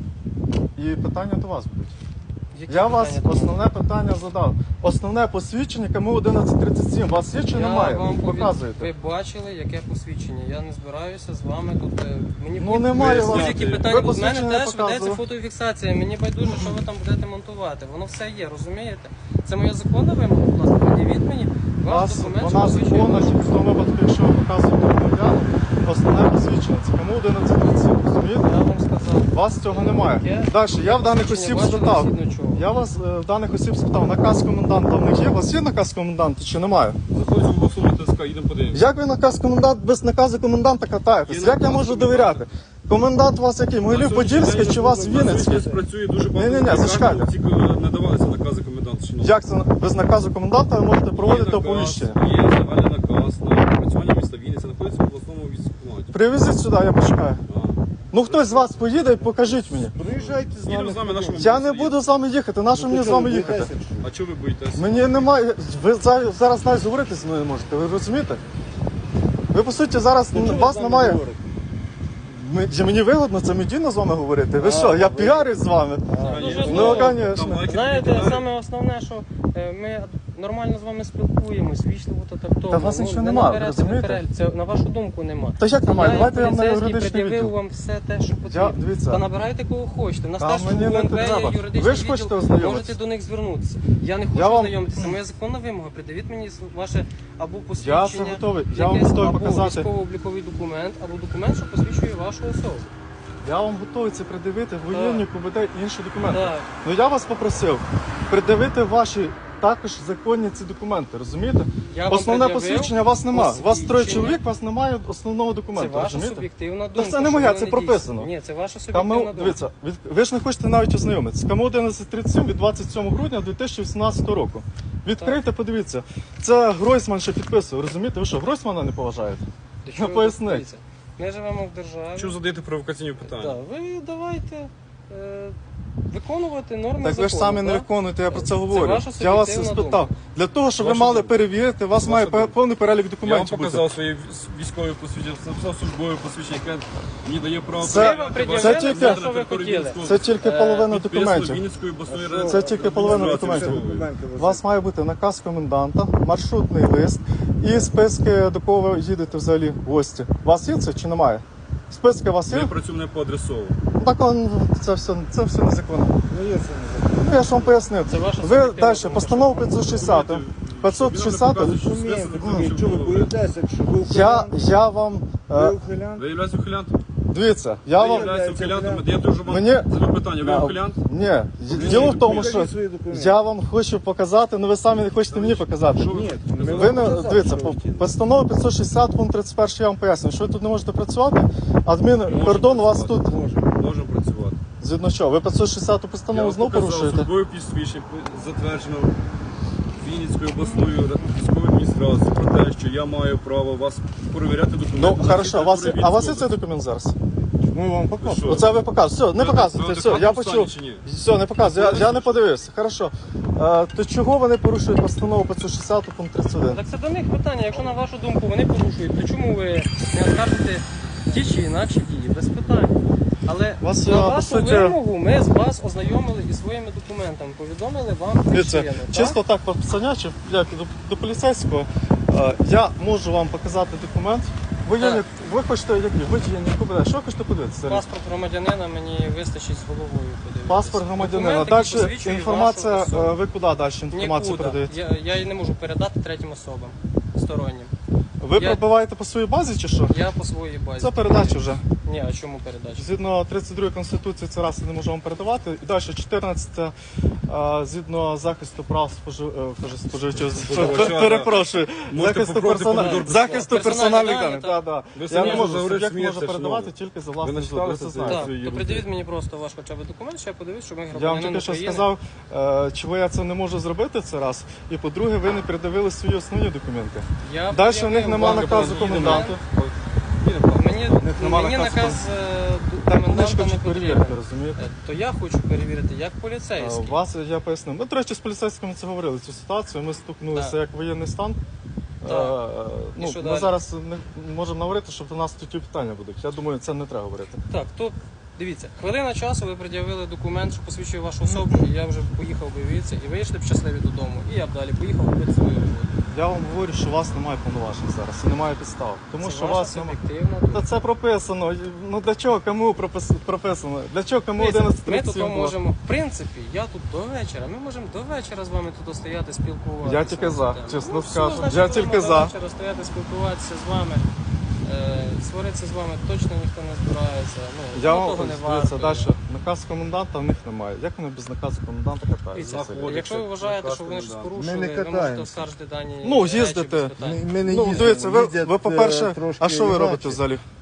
[SPEAKER 1] і питання до вас будуть.
[SPEAKER 3] Які
[SPEAKER 1] Я вас
[SPEAKER 3] питання до мене?
[SPEAKER 1] основне питання задав. Основне посвідчення КМУ одинадцять тридцять сім. У вас є чи
[SPEAKER 3] Я
[SPEAKER 1] немає?
[SPEAKER 3] вам повід-
[SPEAKER 1] Показуєте.
[SPEAKER 3] Ви бачили, яке посвідчення. Я не збираюся з вами тут. е, Мені
[SPEAKER 1] Ну,
[SPEAKER 3] будь-
[SPEAKER 1] немає
[SPEAKER 3] будь-
[SPEAKER 1] вас.
[SPEAKER 3] будь-які
[SPEAKER 1] Ви
[SPEAKER 3] питання. У мене
[SPEAKER 1] посвідчення не
[SPEAKER 3] теж ведеться
[SPEAKER 1] показували.
[SPEAKER 3] фотофіксація. Мені байдуже, що ви там будете монтувати. Воно все є, розумієте? Це моя законна вимога, будь ласка, пред'явіть мені
[SPEAKER 1] У
[SPEAKER 3] ваш
[SPEAKER 1] вас
[SPEAKER 3] документ, що
[SPEAKER 1] вона
[SPEAKER 3] посвідчує
[SPEAKER 1] законна
[SPEAKER 3] вашу
[SPEAKER 1] тільки в тому випадку, якщо ви показуєте громадяну, основне посвідчення. Це КМУ одинадцять тридцять сім. Розумієте?
[SPEAKER 3] Я вам сказав.
[SPEAKER 1] У вас цього немає.
[SPEAKER 3] Яке?
[SPEAKER 1] Далі, я в даних
[SPEAKER 3] Посвідчення
[SPEAKER 1] осіб
[SPEAKER 3] бачили,
[SPEAKER 1] спитав.
[SPEAKER 3] згідно чого?
[SPEAKER 1] Я вас е, в даних осіб спитав, наказ коменданта в них є? У вас є наказ коменданта чи немає?
[SPEAKER 2] Заходимо в особу ТСК, їдемо подивимося.
[SPEAKER 1] Як ви наказ комендант без наказу коменданта катаєтесь?
[SPEAKER 2] Є
[SPEAKER 1] Як я
[SPEAKER 2] наказ
[SPEAKER 1] можу
[SPEAKER 2] коменданта.
[SPEAKER 1] довіряти? Комендант у вас який? Могилів Подільський чи у вас Вінницький?
[SPEAKER 2] Працює дуже багато.
[SPEAKER 1] Ні-ні-ні, зачекайте.
[SPEAKER 2] Тільки надавалися накази коменданта. чи ні?
[SPEAKER 1] Як це без наказу коменданта ви можете проводити
[SPEAKER 2] Є наказ,
[SPEAKER 1] оповіщення?
[SPEAKER 2] Є загальний наказ на працювання міста Вінниця, знаходиться в обласному військкоматі.
[SPEAKER 1] Привезіть сюди, я почекаю. Ну хтось з вас поїде і покажіть мені.
[SPEAKER 4] Приїжджайте з
[SPEAKER 2] Їдемо
[SPEAKER 4] нами.
[SPEAKER 2] з вами, на що ви
[SPEAKER 1] Я не
[SPEAKER 2] будете
[SPEAKER 1] буду з вами їхати, на що
[SPEAKER 4] Ну,
[SPEAKER 1] мені
[SPEAKER 4] то
[SPEAKER 1] з
[SPEAKER 4] чого
[SPEAKER 1] вами
[SPEAKER 4] ви
[SPEAKER 1] їхати?
[SPEAKER 4] боїтеся, чи що?
[SPEAKER 2] А чого ви боїтеся?
[SPEAKER 1] Мені немає. Ви за- зараз навіть говорити зі мною не можете, ви розумієте? Ви по суті зараз
[SPEAKER 4] Ну, чого ви
[SPEAKER 1] вас
[SPEAKER 4] з нами
[SPEAKER 1] немає.
[SPEAKER 4] говорите?
[SPEAKER 1] Ми- чи Мені вигодно це медійно з вами говорити. Ви що, я піарюсь з вами?
[SPEAKER 3] Дуже
[SPEAKER 1] Ну,
[SPEAKER 3] здорово.
[SPEAKER 1] конечно.
[SPEAKER 3] Знаєте, саме основне, що е, ми нормально з вами спілкуємось, вічливо та тактовно.
[SPEAKER 1] Та у вас
[SPEAKER 3] Ну,
[SPEAKER 1] нічого
[SPEAKER 3] ви
[SPEAKER 1] нема,
[SPEAKER 3] наберете
[SPEAKER 1] розумієте?
[SPEAKER 3] наперед. Це на вашу думку нема.
[SPEAKER 1] Та як немає?
[SPEAKER 3] Я,
[SPEAKER 1] Давайте я
[SPEAKER 3] як
[SPEAKER 1] вам на
[SPEAKER 3] поліцейський,
[SPEAKER 1] юридичний
[SPEAKER 3] пред'явив
[SPEAKER 1] відділ.
[SPEAKER 3] вам все те, що потрібно.
[SPEAKER 1] дивіться.
[SPEAKER 3] Та набирайте кого хочете. У нас
[SPEAKER 1] Та
[SPEAKER 3] теж
[SPEAKER 1] мені
[SPEAKER 3] у
[SPEAKER 1] не
[SPEAKER 3] УНВ є
[SPEAKER 1] треба.
[SPEAKER 3] юридичний
[SPEAKER 1] Ви ж хочете
[SPEAKER 3] відділ,
[SPEAKER 1] ознайомитися?
[SPEAKER 3] можете до них звернутися. Я не хочу
[SPEAKER 1] Я вам-
[SPEAKER 3] ознайомитися. Моя законна вимога. Придивіть мені ваше або
[SPEAKER 1] Я
[SPEAKER 3] посвідчення,
[SPEAKER 1] це готовий. Я вам
[SPEAKER 3] якесь,
[SPEAKER 1] готовий
[SPEAKER 3] або
[SPEAKER 1] показати.
[SPEAKER 3] військово-обліковий документ, або документ, що посвідчує вашу особу.
[SPEAKER 1] Я вам готовий це придивити, воєнні, КУБД і інші документи.
[SPEAKER 3] Так.
[SPEAKER 1] Ну я вас попросив придивити ваші також законні ці документи, розумієте?
[SPEAKER 3] Я вам
[SPEAKER 1] Основне
[SPEAKER 3] пред'явив
[SPEAKER 1] посвідчення у вас немає. У вас троє
[SPEAKER 3] посвідчення.
[SPEAKER 1] чоловік, у вас немає основного
[SPEAKER 3] Це
[SPEAKER 1] документу,
[SPEAKER 3] ваша
[SPEAKER 1] розумієте?
[SPEAKER 3] суб'єктивна
[SPEAKER 1] Та
[SPEAKER 3] думка.
[SPEAKER 1] це не
[SPEAKER 3] що
[SPEAKER 1] моя,
[SPEAKER 3] воно
[SPEAKER 1] це
[SPEAKER 3] не
[SPEAKER 1] прописано.
[SPEAKER 3] дійсне. Ні, це ваша суб'єктивна
[SPEAKER 1] Каму,
[SPEAKER 3] думка.
[SPEAKER 1] дивіться, від, ви ж не хочете навіть ознайомитися. Кому одинадцять тридцять сім від двадцять сьомого грудня дві тисячі вісімнадцятого року. Відкрийте, подивіться. Це Гройсман ще підписував, розумієте? Ви що, Гройсмана не поважаєте?
[SPEAKER 3] До чого
[SPEAKER 1] Ну,
[SPEAKER 3] ви
[SPEAKER 1] поясніть.
[SPEAKER 3] дивіться? Ми живемо в державі.
[SPEAKER 2] Чого задаєте провокаційні питання?
[SPEAKER 3] Да, ви давайте е, виконувати норми
[SPEAKER 1] Так
[SPEAKER 3] закону.
[SPEAKER 1] ви ж самі не
[SPEAKER 3] так?
[SPEAKER 1] виконуєте, я про це
[SPEAKER 3] Це
[SPEAKER 1] говорю.
[SPEAKER 3] ваша
[SPEAKER 1] Я вас
[SPEAKER 3] суб'єктивна
[SPEAKER 1] спитав.
[SPEAKER 3] думка.
[SPEAKER 1] Для того, щоб ви
[SPEAKER 2] Ваша
[SPEAKER 1] мали
[SPEAKER 2] думка.
[SPEAKER 1] перевірити, у вас
[SPEAKER 2] Ваша
[SPEAKER 1] має
[SPEAKER 2] думка.
[SPEAKER 1] пе- повний перелік
[SPEAKER 2] Я вам
[SPEAKER 1] документів бути.
[SPEAKER 2] показав своє військове посвідчення, написав службове посвідчення, яке мені дає право
[SPEAKER 1] Це-
[SPEAKER 2] перевіряти
[SPEAKER 3] це
[SPEAKER 2] ваші
[SPEAKER 3] тільки-
[SPEAKER 2] документи на
[SPEAKER 3] що ви
[SPEAKER 2] території
[SPEAKER 3] хотіли.
[SPEAKER 2] Вінницького-
[SPEAKER 1] Це тільки
[SPEAKER 3] Е,
[SPEAKER 1] половина
[SPEAKER 2] підписано
[SPEAKER 1] документів.
[SPEAKER 2] Вінницької обласної
[SPEAKER 4] А що?
[SPEAKER 2] ради.
[SPEAKER 1] Це тільки половина
[SPEAKER 2] адміністрації
[SPEAKER 1] документів.
[SPEAKER 2] військової.
[SPEAKER 4] Документи
[SPEAKER 1] У вас має бути наказ коменданта, маршрутний лист і списки, до кого ви їдете взагалі в гості. У вас є це чи немає? Списки у вас є?
[SPEAKER 2] Ми працюємо не по адресову.
[SPEAKER 1] Ну, так он, це все, це все незаконно.
[SPEAKER 4] Ну є це не
[SPEAKER 1] Ну, я ж вам пояснив.
[SPEAKER 3] Це ваша
[SPEAKER 1] Ви
[SPEAKER 3] суб'єктивна
[SPEAKER 1] далі,
[SPEAKER 3] думка.
[SPEAKER 1] постанову п'ятсот шістдесят. п'ятсот шістдесят.
[SPEAKER 4] розуміємо. Чого ви боїтеся, якщо ви
[SPEAKER 1] Я,
[SPEAKER 4] ухилян?
[SPEAKER 1] я вам.
[SPEAKER 4] Ви
[SPEAKER 1] Е,
[SPEAKER 4] ухилян?
[SPEAKER 2] Ви являєтесь ухилянтом?
[SPEAKER 1] дивіться, я
[SPEAKER 2] Ви
[SPEAKER 1] вам.
[SPEAKER 2] являєтесь ухилянтом? Я дуже вам
[SPEAKER 1] Мені-
[SPEAKER 2] задаю питання. Ви ухилянт?
[SPEAKER 1] Ні, діло в тому, що
[SPEAKER 4] Покажіть свої документи.
[SPEAKER 1] я вам хочу показати, але ви самі не хочете мені показати.
[SPEAKER 2] Що ви
[SPEAKER 4] Ні,
[SPEAKER 2] хочете
[SPEAKER 4] ми
[SPEAKER 2] сказати?
[SPEAKER 1] Ви не
[SPEAKER 4] показали,
[SPEAKER 1] дивіться,
[SPEAKER 4] що
[SPEAKER 1] по
[SPEAKER 4] ви хотіли.
[SPEAKER 1] постанову п'ятсот шістдесят пункт тридцять один я вам поясню, що ви тут не можете працювати. Адмінкордон у вас тут
[SPEAKER 2] Можемо. Можемо працювати.
[SPEAKER 1] згідно чого? Ви п'ятсот шістдесят
[SPEAKER 2] Я
[SPEAKER 1] постанову
[SPEAKER 2] вам
[SPEAKER 1] знову
[SPEAKER 2] показав
[SPEAKER 1] порушуєте?
[SPEAKER 2] службове посвідчення, затверджено Вінницькою обласною військовою адміністрацією про те, що я маю право вас перевіряти документи.
[SPEAKER 1] Ну
[SPEAKER 2] на
[SPEAKER 1] хорошо, а у вас,
[SPEAKER 2] території
[SPEAKER 1] а у вас є
[SPEAKER 2] Вінницької
[SPEAKER 1] цей документ зараз?
[SPEAKER 4] Ми вам
[SPEAKER 2] Що?
[SPEAKER 4] покажемо.
[SPEAKER 1] Оце ви показуєте. Все, не
[SPEAKER 2] Ви
[SPEAKER 1] показуйте,
[SPEAKER 2] в
[SPEAKER 1] все, я
[SPEAKER 2] адекватному
[SPEAKER 1] почув.
[SPEAKER 2] стані чи ні?
[SPEAKER 1] Все, не показую, я, я не подивився. Хорошо. Е, то чого вони порушують постанову п'ятсот шістдесят пункт тридцять один?
[SPEAKER 3] Так це до них питання. Якщо на вашу думку вони порушують, то чому ви не оскаржите ті чи інакші дії? Без питань. Але
[SPEAKER 1] Вас,
[SPEAKER 3] на
[SPEAKER 1] е, по
[SPEAKER 3] вашу
[SPEAKER 1] суті-
[SPEAKER 3] вимогу ми з вас ознайомили із своїми документами, повідомили вам
[SPEAKER 1] Дивіться,
[SPEAKER 3] причину. так?
[SPEAKER 1] чисто так по пацанячі, як до, до поліцейського, е, я можу вам показати документ. Ви, є,
[SPEAKER 3] Так.
[SPEAKER 1] ви хочете, як ні, ви є не купите. Що ви хочете подивитися? зараз?
[SPEAKER 3] Паспорт громадянина мені вистачить з головою подивитися.
[SPEAKER 1] Паспорт громадянина.
[SPEAKER 3] Документ,
[SPEAKER 1] Далі
[SPEAKER 3] який посвідчує
[SPEAKER 1] інформація,
[SPEAKER 3] вашу особу.
[SPEAKER 1] е, ви куди далі інформацію
[SPEAKER 3] Нікуди.
[SPEAKER 1] передаєте?
[SPEAKER 3] Я, я її не можу передати третім особам стороннім.
[SPEAKER 1] Ви
[SPEAKER 3] я-
[SPEAKER 1] пробиваєте по своїй базі чи що?
[SPEAKER 3] Я по своїй базі.
[SPEAKER 1] Це передача вже.
[SPEAKER 3] Ні, а чому передача?
[SPEAKER 1] Згідно тридцять другої Конституції це раз я не можу вам передавати. І далі чотирнадцяте е, згідно захисту прав спожив... е, кажу, споживачів.
[SPEAKER 2] Споживача, да.
[SPEAKER 1] Перепрошую.
[SPEAKER 2] Можете
[SPEAKER 1] Захисту,
[SPEAKER 2] попробувати
[SPEAKER 1] персона-
[SPEAKER 2] помідор.
[SPEAKER 1] захисту
[SPEAKER 3] Персональні
[SPEAKER 1] персональних
[SPEAKER 3] дані,
[SPEAKER 1] даних.
[SPEAKER 3] так.
[SPEAKER 1] Да, да.
[SPEAKER 2] Ви
[SPEAKER 1] Я
[SPEAKER 2] самі
[SPEAKER 1] не можу,
[SPEAKER 2] говорите,
[SPEAKER 1] суб'єкт може
[SPEAKER 2] смієтеся,
[SPEAKER 1] передавати
[SPEAKER 2] шановні.
[SPEAKER 1] тільки за
[SPEAKER 2] Ви
[SPEAKER 1] власний
[SPEAKER 2] не
[SPEAKER 1] згодом. Ви
[SPEAKER 2] читали
[SPEAKER 1] це
[SPEAKER 2] це?
[SPEAKER 1] знаєте.
[SPEAKER 3] Так,
[SPEAKER 2] це
[SPEAKER 3] то
[SPEAKER 2] є
[SPEAKER 3] придивіть мені просто ваш хоча б документ, що я подивлюсь, що ми
[SPEAKER 1] Я вам
[SPEAKER 3] громадянин
[SPEAKER 1] тільки що
[SPEAKER 3] України.
[SPEAKER 1] сказав, е, чого я це не можу зробити це раз. І по-друге, ви не передавили свої основні документи.
[SPEAKER 3] Я
[SPEAKER 1] Далі в
[SPEAKER 3] пред'явив
[SPEAKER 1] них нема
[SPEAKER 3] вам
[SPEAKER 1] наказу
[SPEAKER 3] документ.
[SPEAKER 1] коменданта.
[SPEAKER 3] Мені,
[SPEAKER 1] нема
[SPEAKER 3] мені
[SPEAKER 1] наказу
[SPEAKER 3] наказ е,
[SPEAKER 1] Так вони ж
[SPEAKER 3] коменданта не
[SPEAKER 1] хочуть
[SPEAKER 3] потрібен.
[SPEAKER 1] перевірити, розумієте?
[SPEAKER 3] Е, То я хочу перевірити як
[SPEAKER 1] Е,
[SPEAKER 3] поліцейський.
[SPEAKER 1] Вас я пояснив. Ми, до речі, з поліцейськими це говорили цю ситуацію. Ми стукнулися
[SPEAKER 3] Так.
[SPEAKER 1] як воєнний стан.
[SPEAKER 3] Так.
[SPEAKER 1] Е,
[SPEAKER 3] І
[SPEAKER 1] ну,
[SPEAKER 3] що
[SPEAKER 1] ми
[SPEAKER 3] далі?
[SPEAKER 1] зараз не можемо говорити, що до нас тут ті питання будуть. Я думаю, це не треба говорити.
[SPEAKER 3] Так, то дивіться, хвилина часу ви пред'явили документ, що посвідчує вашу особу, і я вже поїхав би звідси, і вийшли б щасливі додому. І я б далі поїхав робити свою роботу.
[SPEAKER 1] Я вам говорю, що у вас немає повноважень зараз і немає підстав. Тому
[SPEAKER 3] Це
[SPEAKER 1] що у
[SPEAKER 3] ваша
[SPEAKER 1] вас немає.
[SPEAKER 3] суб'єктивна
[SPEAKER 1] Та
[SPEAKER 3] думка.
[SPEAKER 1] це прописано. Ну для чого кому пропис- прописано? Для чого кому
[SPEAKER 3] Дивіться,
[SPEAKER 1] одинадцять
[SPEAKER 3] Ми тут
[SPEAKER 1] тридцять сім було?
[SPEAKER 3] можемо, в принципі, я тут до вечора. Ми можемо до вечора з вами тут стояти, спілкуватися.
[SPEAKER 1] Я тільки за,
[SPEAKER 3] Так.
[SPEAKER 1] чесно
[SPEAKER 3] Ну, все,
[SPEAKER 1] скажу.
[SPEAKER 3] значить,
[SPEAKER 1] Я
[SPEAKER 3] будемо
[SPEAKER 1] тільки
[SPEAKER 3] до
[SPEAKER 1] за.
[SPEAKER 3] вечора стояти, спілкуватися з вами. Е, сваритися з вами точно ніхто не збирається. Ну,
[SPEAKER 1] Я
[SPEAKER 3] ну,
[SPEAKER 1] вам
[SPEAKER 3] того не
[SPEAKER 1] дивіться
[SPEAKER 3] варто.
[SPEAKER 1] далі. Наказ коменданта в них немає. Як вони без наказу коменданта катаються?
[SPEAKER 3] Дивіться,
[SPEAKER 2] Заходиться,
[SPEAKER 3] якщо ви вважаєте, що вони щось
[SPEAKER 2] наказ
[SPEAKER 3] порушили,
[SPEAKER 4] Ми не
[SPEAKER 3] ви можете
[SPEAKER 4] катаємося.
[SPEAKER 3] оскаржити дані
[SPEAKER 1] Ну,
[SPEAKER 3] речі
[SPEAKER 1] їздите.
[SPEAKER 3] без питань.
[SPEAKER 4] Ми, ми не
[SPEAKER 1] Ну,
[SPEAKER 4] їздимо,
[SPEAKER 1] дивіться, ви,
[SPEAKER 4] їздять,
[SPEAKER 1] ви по-перше,
[SPEAKER 4] е, трошки
[SPEAKER 1] а що ви
[SPEAKER 4] інакше.
[SPEAKER 1] робите взагалі?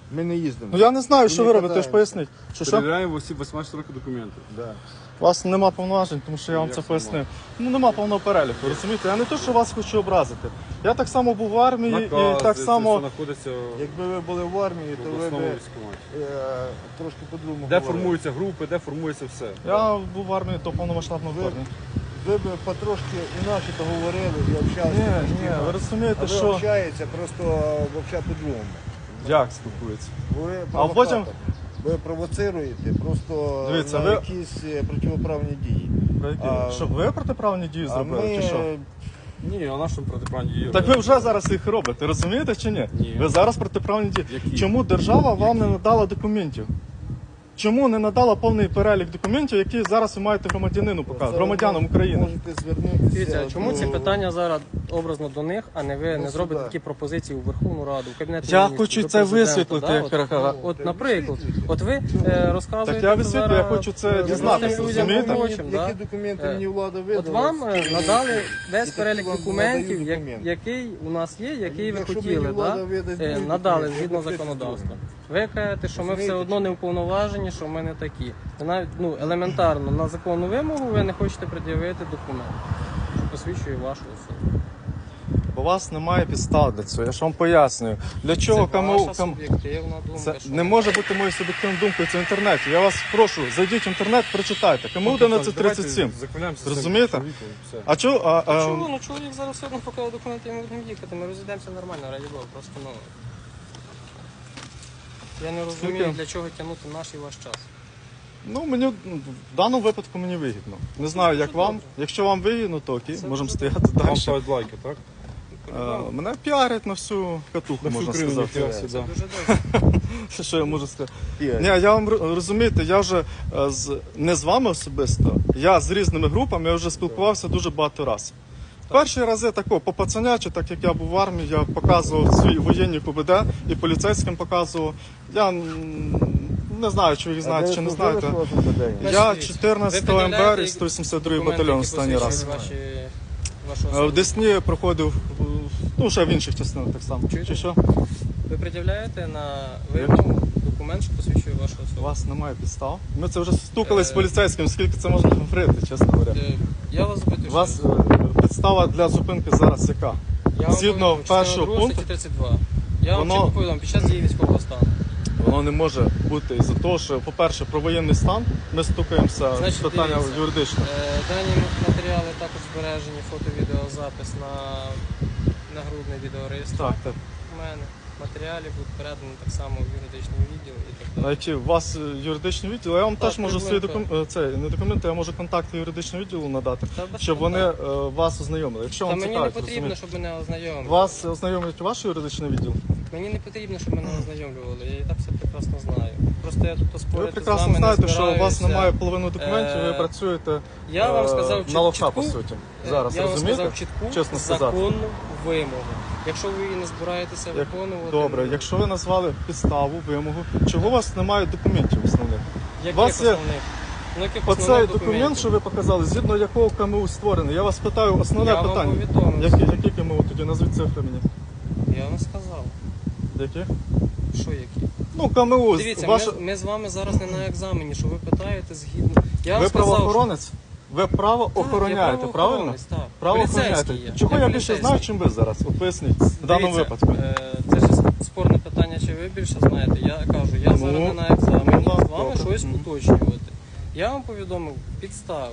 [SPEAKER 4] Ми не їздимо.
[SPEAKER 1] Ну я не знаю, що
[SPEAKER 4] Ми
[SPEAKER 1] ви
[SPEAKER 4] не
[SPEAKER 1] робите, ви ж
[SPEAKER 4] катаємося.
[SPEAKER 1] поясніть. Що що?
[SPEAKER 2] Перевіряємо в осіб вісімнадцять років документи.
[SPEAKER 4] Да.
[SPEAKER 1] У вас нема повноважень, тому що я вам
[SPEAKER 2] Як
[SPEAKER 1] це
[SPEAKER 2] нема?
[SPEAKER 1] пояснив. Ну нема повного переліку, розумієте? Я не то, що вас хочу образити. Я так само був в армії
[SPEAKER 2] Накази,
[SPEAKER 1] і так
[SPEAKER 2] це
[SPEAKER 1] само.
[SPEAKER 2] все знаходиться
[SPEAKER 4] Якби ви були в армії,
[SPEAKER 2] в
[SPEAKER 4] то ви
[SPEAKER 2] обласному
[SPEAKER 4] б
[SPEAKER 2] військкоматі.
[SPEAKER 4] е, трошки по-другому
[SPEAKER 2] Де
[SPEAKER 4] говорили.
[SPEAKER 2] формуються групи, де формується все.
[SPEAKER 1] Я був в армії до повномасштабного
[SPEAKER 4] Ви-
[SPEAKER 1] вторгнення.
[SPEAKER 4] Ви б потрошки інакше то говорили і общалися.
[SPEAKER 1] Ні,
[SPEAKER 4] трошки
[SPEAKER 1] ні,
[SPEAKER 4] інакше.
[SPEAKER 1] ви розумієте,
[SPEAKER 4] А ви
[SPEAKER 1] що
[SPEAKER 4] общаєтеся просто взагалі по-другому.
[SPEAKER 1] як спілкується.
[SPEAKER 4] Ви
[SPEAKER 1] А потім-
[SPEAKER 4] провокатор. Ви провоцируєте просто
[SPEAKER 1] Дивіться,
[SPEAKER 4] на
[SPEAKER 1] ви-
[SPEAKER 4] якісь е, противоправні дії.
[SPEAKER 1] Про які?
[SPEAKER 4] А-
[SPEAKER 1] Щоб ви протиправні дії
[SPEAKER 4] А
[SPEAKER 1] зробили,
[SPEAKER 4] ми
[SPEAKER 1] чи що?
[SPEAKER 2] Ні, а нашому протиправні дії.
[SPEAKER 1] Так ви вже зараз їх робите, розумієте чи ні?
[SPEAKER 2] Ні.
[SPEAKER 1] Ви зараз протиправні дії.
[SPEAKER 2] Які?
[SPEAKER 1] Чому держава вам не надала документів? Чому не надала повний перелік документів, які зараз ви маєте громадянину показати, громадянам України?
[SPEAKER 4] Можете звернутися.
[SPEAKER 3] Дивіться, а чому
[SPEAKER 4] до-
[SPEAKER 3] ці питання зараз образно до них, а не ви не
[SPEAKER 4] Ну,
[SPEAKER 3] зробите
[SPEAKER 4] сюди.
[SPEAKER 3] такі пропозиції у Верховну Раду, в Кабінет
[SPEAKER 1] Я
[SPEAKER 3] Міністрів,
[SPEAKER 1] хочу
[SPEAKER 3] до
[SPEAKER 1] це
[SPEAKER 3] Президента,
[SPEAKER 1] висвітлити,
[SPEAKER 3] да?
[SPEAKER 1] як
[SPEAKER 3] От,
[SPEAKER 1] Каракара.
[SPEAKER 3] от, наприклад, от ви е, розказуєте
[SPEAKER 1] Так я висвітлюю,
[SPEAKER 3] зараз,
[SPEAKER 1] я хочу це
[SPEAKER 3] е,
[SPEAKER 1] дізнатися,
[SPEAKER 3] людям
[SPEAKER 1] розумієте?
[SPEAKER 3] робочим, да?
[SPEAKER 4] Які документи
[SPEAKER 3] Е,
[SPEAKER 4] мені влада видала?
[SPEAKER 3] От вам е,
[SPEAKER 4] скільки-
[SPEAKER 3] надали весь
[SPEAKER 4] і
[SPEAKER 3] перелік
[SPEAKER 4] такі вам
[SPEAKER 3] документів,
[SPEAKER 4] надають
[SPEAKER 3] як-
[SPEAKER 4] документи.
[SPEAKER 3] який у нас є, який ви
[SPEAKER 4] Якщо
[SPEAKER 3] хотіли,
[SPEAKER 4] мені влада
[SPEAKER 3] да?
[SPEAKER 4] видасть
[SPEAKER 3] Е,
[SPEAKER 4] будь-які
[SPEAKER 3] надали
[SPEAKER 4] документи,
[SPEAKER 3] згідно
[SPEAKER 4] я буду
[SPEAKER 3] законодавства.
[SPEAKER 4] зробити.
[SPEAKER 3] Ви кажете, що ми все
[SPEAKER 4] Розумієте,
[SPEAKER 3] одно не уповноважені, що ми не такі. Ви навіть ну, елементарно на законну вимогу ви не хочете пред'явити документ, що посвідчує вашу особу.
[SPEAKER 1] У вас немає підстав для цього, я ж вам пояснюю. Для чого
[SPEAKER 3] Це
[SPEAKER 1] кому,
[SPEAKER 3] ваша
[SPEAKER 1] кому...
[SPEAKER 3] суб'єктивна думка.
[SPEAKER 1] Це
[SPEAKER 3] що
[SPEAKER 1] не може бути моєю суб'єктивною думкою, це в інтернеті. Я вас прошу, зайдіть в інтернет, прочитайте. Кому одинадцять тридцять сім. Розумієте? А чого? А,
[SPEAKER 3] А
[SPEAKER 1] а,
[SPEAKER 3] чого? Ну чоловік зараз все одно покаже документи, і ми будемо їхати. Ми розійдемося нормально, раді Бога. Просто ну. Я не розумію,
[SPEAKER 1] Скільки?
[SPEAKER 3] для чого тягнути наш і ваш час.
[SPEAKER 1] ну, мені ну, в даному випадку мені вигідно. Не знаю, як
[SPEAKER 3] Дуже
[SPEAKER 1] вам.
[SPEAKER 3] добре.
[SPEAKER 1] Якщо вам вигідно, то окей,
[SPEAKER 3] Це
[SPEAKER 1] можемо
[SPEAKER 3] дуже
[SPEAKER 1] стояти
[SPEAKER 2] Вам
[SPEAKER 1] далі.
[SPEAKER 2] ставить лайки, так?
[SPEAKER 1] Е, Мене піарять на всю катуху, можна сказати.
[SPEAKER 2] ніхуя
[SPEAKER 3] Це
[SPEAKER 2] сюди.
[SPEAKER 3] дуже добре.
[SPEAKER 1] Що я можу сказати?
[SPEAKER 4] Піарять.
[SPEAKER 1] Ні, я вам р- розумієте, я вже е, з не з вами особисто, я з різними групами, я вже спілкувався дуже багато разів. Перші рази тако, по пацанячі, так як я був в армії, я показував свої воєнні КУБД і поліцейським показував. Я м, не знаю, чи ви їх знаєте, чи не знаєте. Я
[SPEAKER 3] Значить,
[SPEAKER 1] чотирнадцятого
[SPEAKER 3] ви
[SPEAKER 1] ем бе ер і сто вісімдесят другий
[SPEAKER 3] документи,
[SPEAKER 1] батальйон
[SPEAKER 3] які
[SPEAKER 1] останній раз.
[SPEAKER 3] посвідчують Ваші, вашу
[SPEAKER 1] Е, В
[SPEAKER 3] особу.
[SPEAKER 1] Десні проходив, е, ну ще в інших частинах так само.
[SPEAKER 3] Чуєте?
[SPEAKER 1] Чи що?
[SPEAKER 3] Ви пред'являєте на вимогу документ, що посвідчує вашу
[SPEAKER 1] У
[SPEAKER 3] особу.
[SPEAKER 1] вас немає підстав. Ми це вже стукались з
[SPEAKER 3] Е.
[SPEAKER 1] поліцейським, скільки це можна говорити, чесно говоря.
[SPEAKER 3] Е, Я вас запитую,
[SPEAKER 1] У вас
[SPEAKER 3] що
[SPEAKER 1] е, підстава для зупинки зараз яка?
[SPEAKER 3] я вам
[SPEAKER 1] згідно
[SPEAKER 3] повідомив, частина
[SPEAKER 1] першого
[SPEAKER 3] друга,
[SPEAKER 1] пункту,
[SPEAKER 3] статті тридцять два. Я вам
[SPEAKER 1] воно-
[SPEAKER 3] чітко повідомив, під час дії військового стану.
[SPEAKER 1] Воно не може бути із-за того, що, по-перше, про воєнний стан ми стукаємося з
[SPEAKER 3] Значить,
[SPEAKER 1] питання
[SPEAKER 3] дивіться.
[SPEAKER 1] юридичне.
[SPEAKER 3] Е, Дані матеріали також збережені, фото-відеозапис на нагрудний відеореєстр.
[SPEAKER 1] Так, так.
[SPEAKER 3] У мене матеріалі будуть передані так само в юридичний відділ і так
[SPEAKER 1] А
[SPEAKER 3] далі.
[SPEAKER 1] які у вас е, юридичний відділ? Я вам
[SPEAKER 3] Так,
[SPEAKER 1] теж можу свої
[SPEAKER 3] приблизно.
[SPEAKER 1] документи, це не документи, я можу контакти юридичного відділу надати,
[SPEAKER 3] Та без
[SPEAKER 1] щоб вони
[SPEAKER 3] проблем.
[SPEAKER 1] е, вас ознайомили. Якщо
[SPEAKER 3] Та
[SPEAKER 1] вам
[SPEAKER 3] мені не
[SPEAKER 1] цікавить,
[SPEAKER 3] потрібно,
[SPEAKER 1] розумієте.
[SPEAKER 3] щоб мене ознайомили.
[SPEAKER 1] Вас ознайомить ваш юридичний відділ?
[SPEAKER 3] Мені не потрібно, щоб мене ознайомлювали. Я і так все прекрасно знаю. Просто я тут
[SPEAKER 1] Ви
[SPEAKER 3] спорити з
[SPEAKER 1] прекрасно
[SPEAKER 3] вами
[SPEAKER 1] знаєте,
[SPEAKER 3] не
[SPEAKER 1] що у вас
[SPEAKER 3] збираюся.
[SPEAKER 1] немає половини документів, ви
[SPEAKER 3] Е,
[SPEAKER 1] працюєте
[SPEAKER 3] Я вам
[SPEAKER 1] е,
[SPEAKER 3] сказав
[SPEAKER 1] на лоха,
[SPEAKER 3] чітку,
[SPEAKER 1] по суті.
[SPEAKER 3] е,
[SPEAKER 1] Зараз,
[SPEAKER 3] я вам
[SPEAKER 1] розумієте?
[SPEAKER 3] сказав чітку
[SPEAKER 1] Чесно сказати.
[SPEAKER 3] законну вимогу. Якщо ви її не збираєтеся
[SPEAKER 1] Як-
[SPEAKER 3] виконувати,
[SPEAKER 1] Добре,
[SPEAKER 3] ну,
[SPEAKER 1] якщо ви назвали підставу, вимогу, чого у вас немає документів основних?
[SPEAKER 3] яких
[SPEAKER 1] вас є-
[SPEAKER 3] основних? Ну, яких
[SPEAKER 1] Оцей
[SPEAKER 3] основних
[SPEAKER 1] документ,
[SPEAKER 3] документів?
[SPEAKER 1] що ви показали, згідно якого КМУ створений, я вас питаю основне
[SPEAKER 3] Я вам
[SPEAKER 1] питання.
[SPEAKER 3] повідомив.
[SPEAKER 1] Які, які КМУ тоді? Назвіть цифри мені.
[SPEAKER 3] Я вам сказав.
[SPEAKER 1] Які?
[SPEAKER 3] Що які?
[SPEAKER 1] Ну, КМУ.
[SPEAKER 3] Дивіться,
[SPEAKER 1] ваше...
[SPEAKER 3] ми, ми з вами зараз не на екзамені, що ви питаєте згідно. Я вам
[SPEAKER 1] Ви
[SPEAKER 3] сказав,
[SPEAKER 1] правоохоронець? Ви право
[SPEAKER 3] що... Так,
[SPEAKER 1] охороняєте,
[SPEAKER 3] я
[SPEAKER 1] правильно?
[SPEAKER 3] правоохоронець, Так.
[SPEAKER 1] Право
[SPEAKER 3] Поліцейський
[SPEAKER 1] охороняєте.
[SPEAKER 3] є.
[SPEAKER 1] Чого я більше
[SPEAKER 3] поліцейський.
[SPEAKER 1] знаю, чим ви зараз? От поясніть, в даному
[SPEAKER 3] Дивіться,
[SPEAKER 1] випадку.
[SPEAKER 3] е, Це ж спорне питання, чи ви більше знаєте. Я кажу, я
[SPEAKER 1] Ну,
[SPEAKER 3] зараз не на екзамені
[SPEAKER 1] ну,
[SPEAKER 3] з вами
[SPEAKER 1] добре.
[SPEAKER 3] щось
[SPEAKER 1] Мгм.
[SPEAKER 3] уточнювати. Я вам повідомив підстави,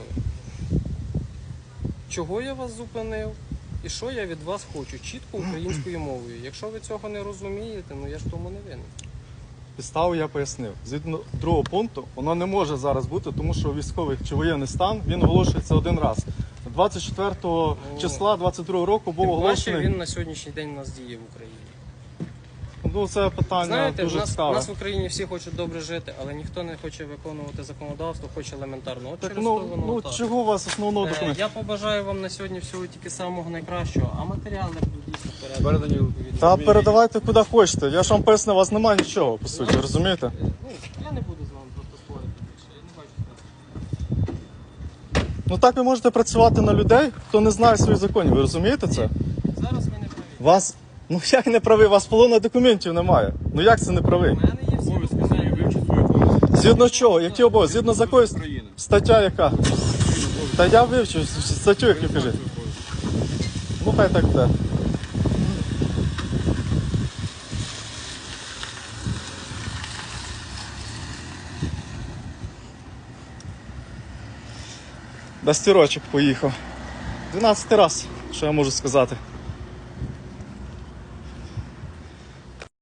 [SPEAKER 3] чого я вас зупинив і що я від вас хочу, чітко українською мовою. Якщо ви цього не розумієте, ну я ж тому не винен.
[SPEAKER 1] Підставу я пояснив. Згідно другого пункту, воно не може зараз бути, тому що військовий чи воєнний стан він оголошується один раз. двадцять четвертого
[SPEAKER 3] Ну,
[SPEAKER 1] числа двадцять другого року був
[SPEAKER 3] Тим паче
[SPEAKER 1] оголошений.
[SPEAKER 3] він на сьогоднішній день у нас діє в Україні.
[SPEAKER 1] Ну це питання
[SPEAKER 3] Знаєте, в
[SPEAKER 1] дуже
[SPEAKER 3] нас,
[SPEAKER 1] цікаве.
[SPEAKER 3] нас в Україні всі хочуть добре жити, але ніхто не хоче виконувати законодавство, хоче елементарно. От
[SPEAKER 1] Так
[SPEAKER 3] через
[SPEAKER 1] ну,
[SPEAKER 3] то воно
[SPEAKER 1] ну
[SPEAKER 3] так.
[SPEAKER 1] чого у вас основного
[SPEAKER 3] Е,
[SPEAKER 1] документу?
[SPEAKER 3] Я побажаю вам на сьогодні всього тільки самого найкращого, а матеріали будуть дійсно передані.
[SPEAKER 2] Передані.
[SPEAKER 3] відповідно.
[SPEAKER 1] Та передавайте куди хочете. Я ж вам пояснив, у вас немає нічого, по суті, розумієте?
[SPEAKER 3] Е, Ну, я не буду з вами просто спорити більше, я не бачу сенсу.
[SPEAKER 1] Ну так ви можете працювати на людей, хто не знає своїх законів. Ви розумієте це?
[SPEAKER 3] Зараз ви не праві.
[SPEAKER 1] Вас Ну як не правий? У вас половина документів немає. Ну як це не правий?
[SPEAKER 3] У мене є всі
[SPEAKER 2] Обов'язки свої,
[SPEAKER 3] документи.
[SPEAKER 2] вивчіть свої обов'язки.
[SPEAKER 1] Згідно чого? Які обов'язки? Згідно з якоїсь
[SPEAKER 2] України.
[SPEAKER 1] стаття яка? Та я вивчив статтю, яку кажи. Ну хай так буде. Без стірочок поїхав. дванадцятий раз, що я можу сказати.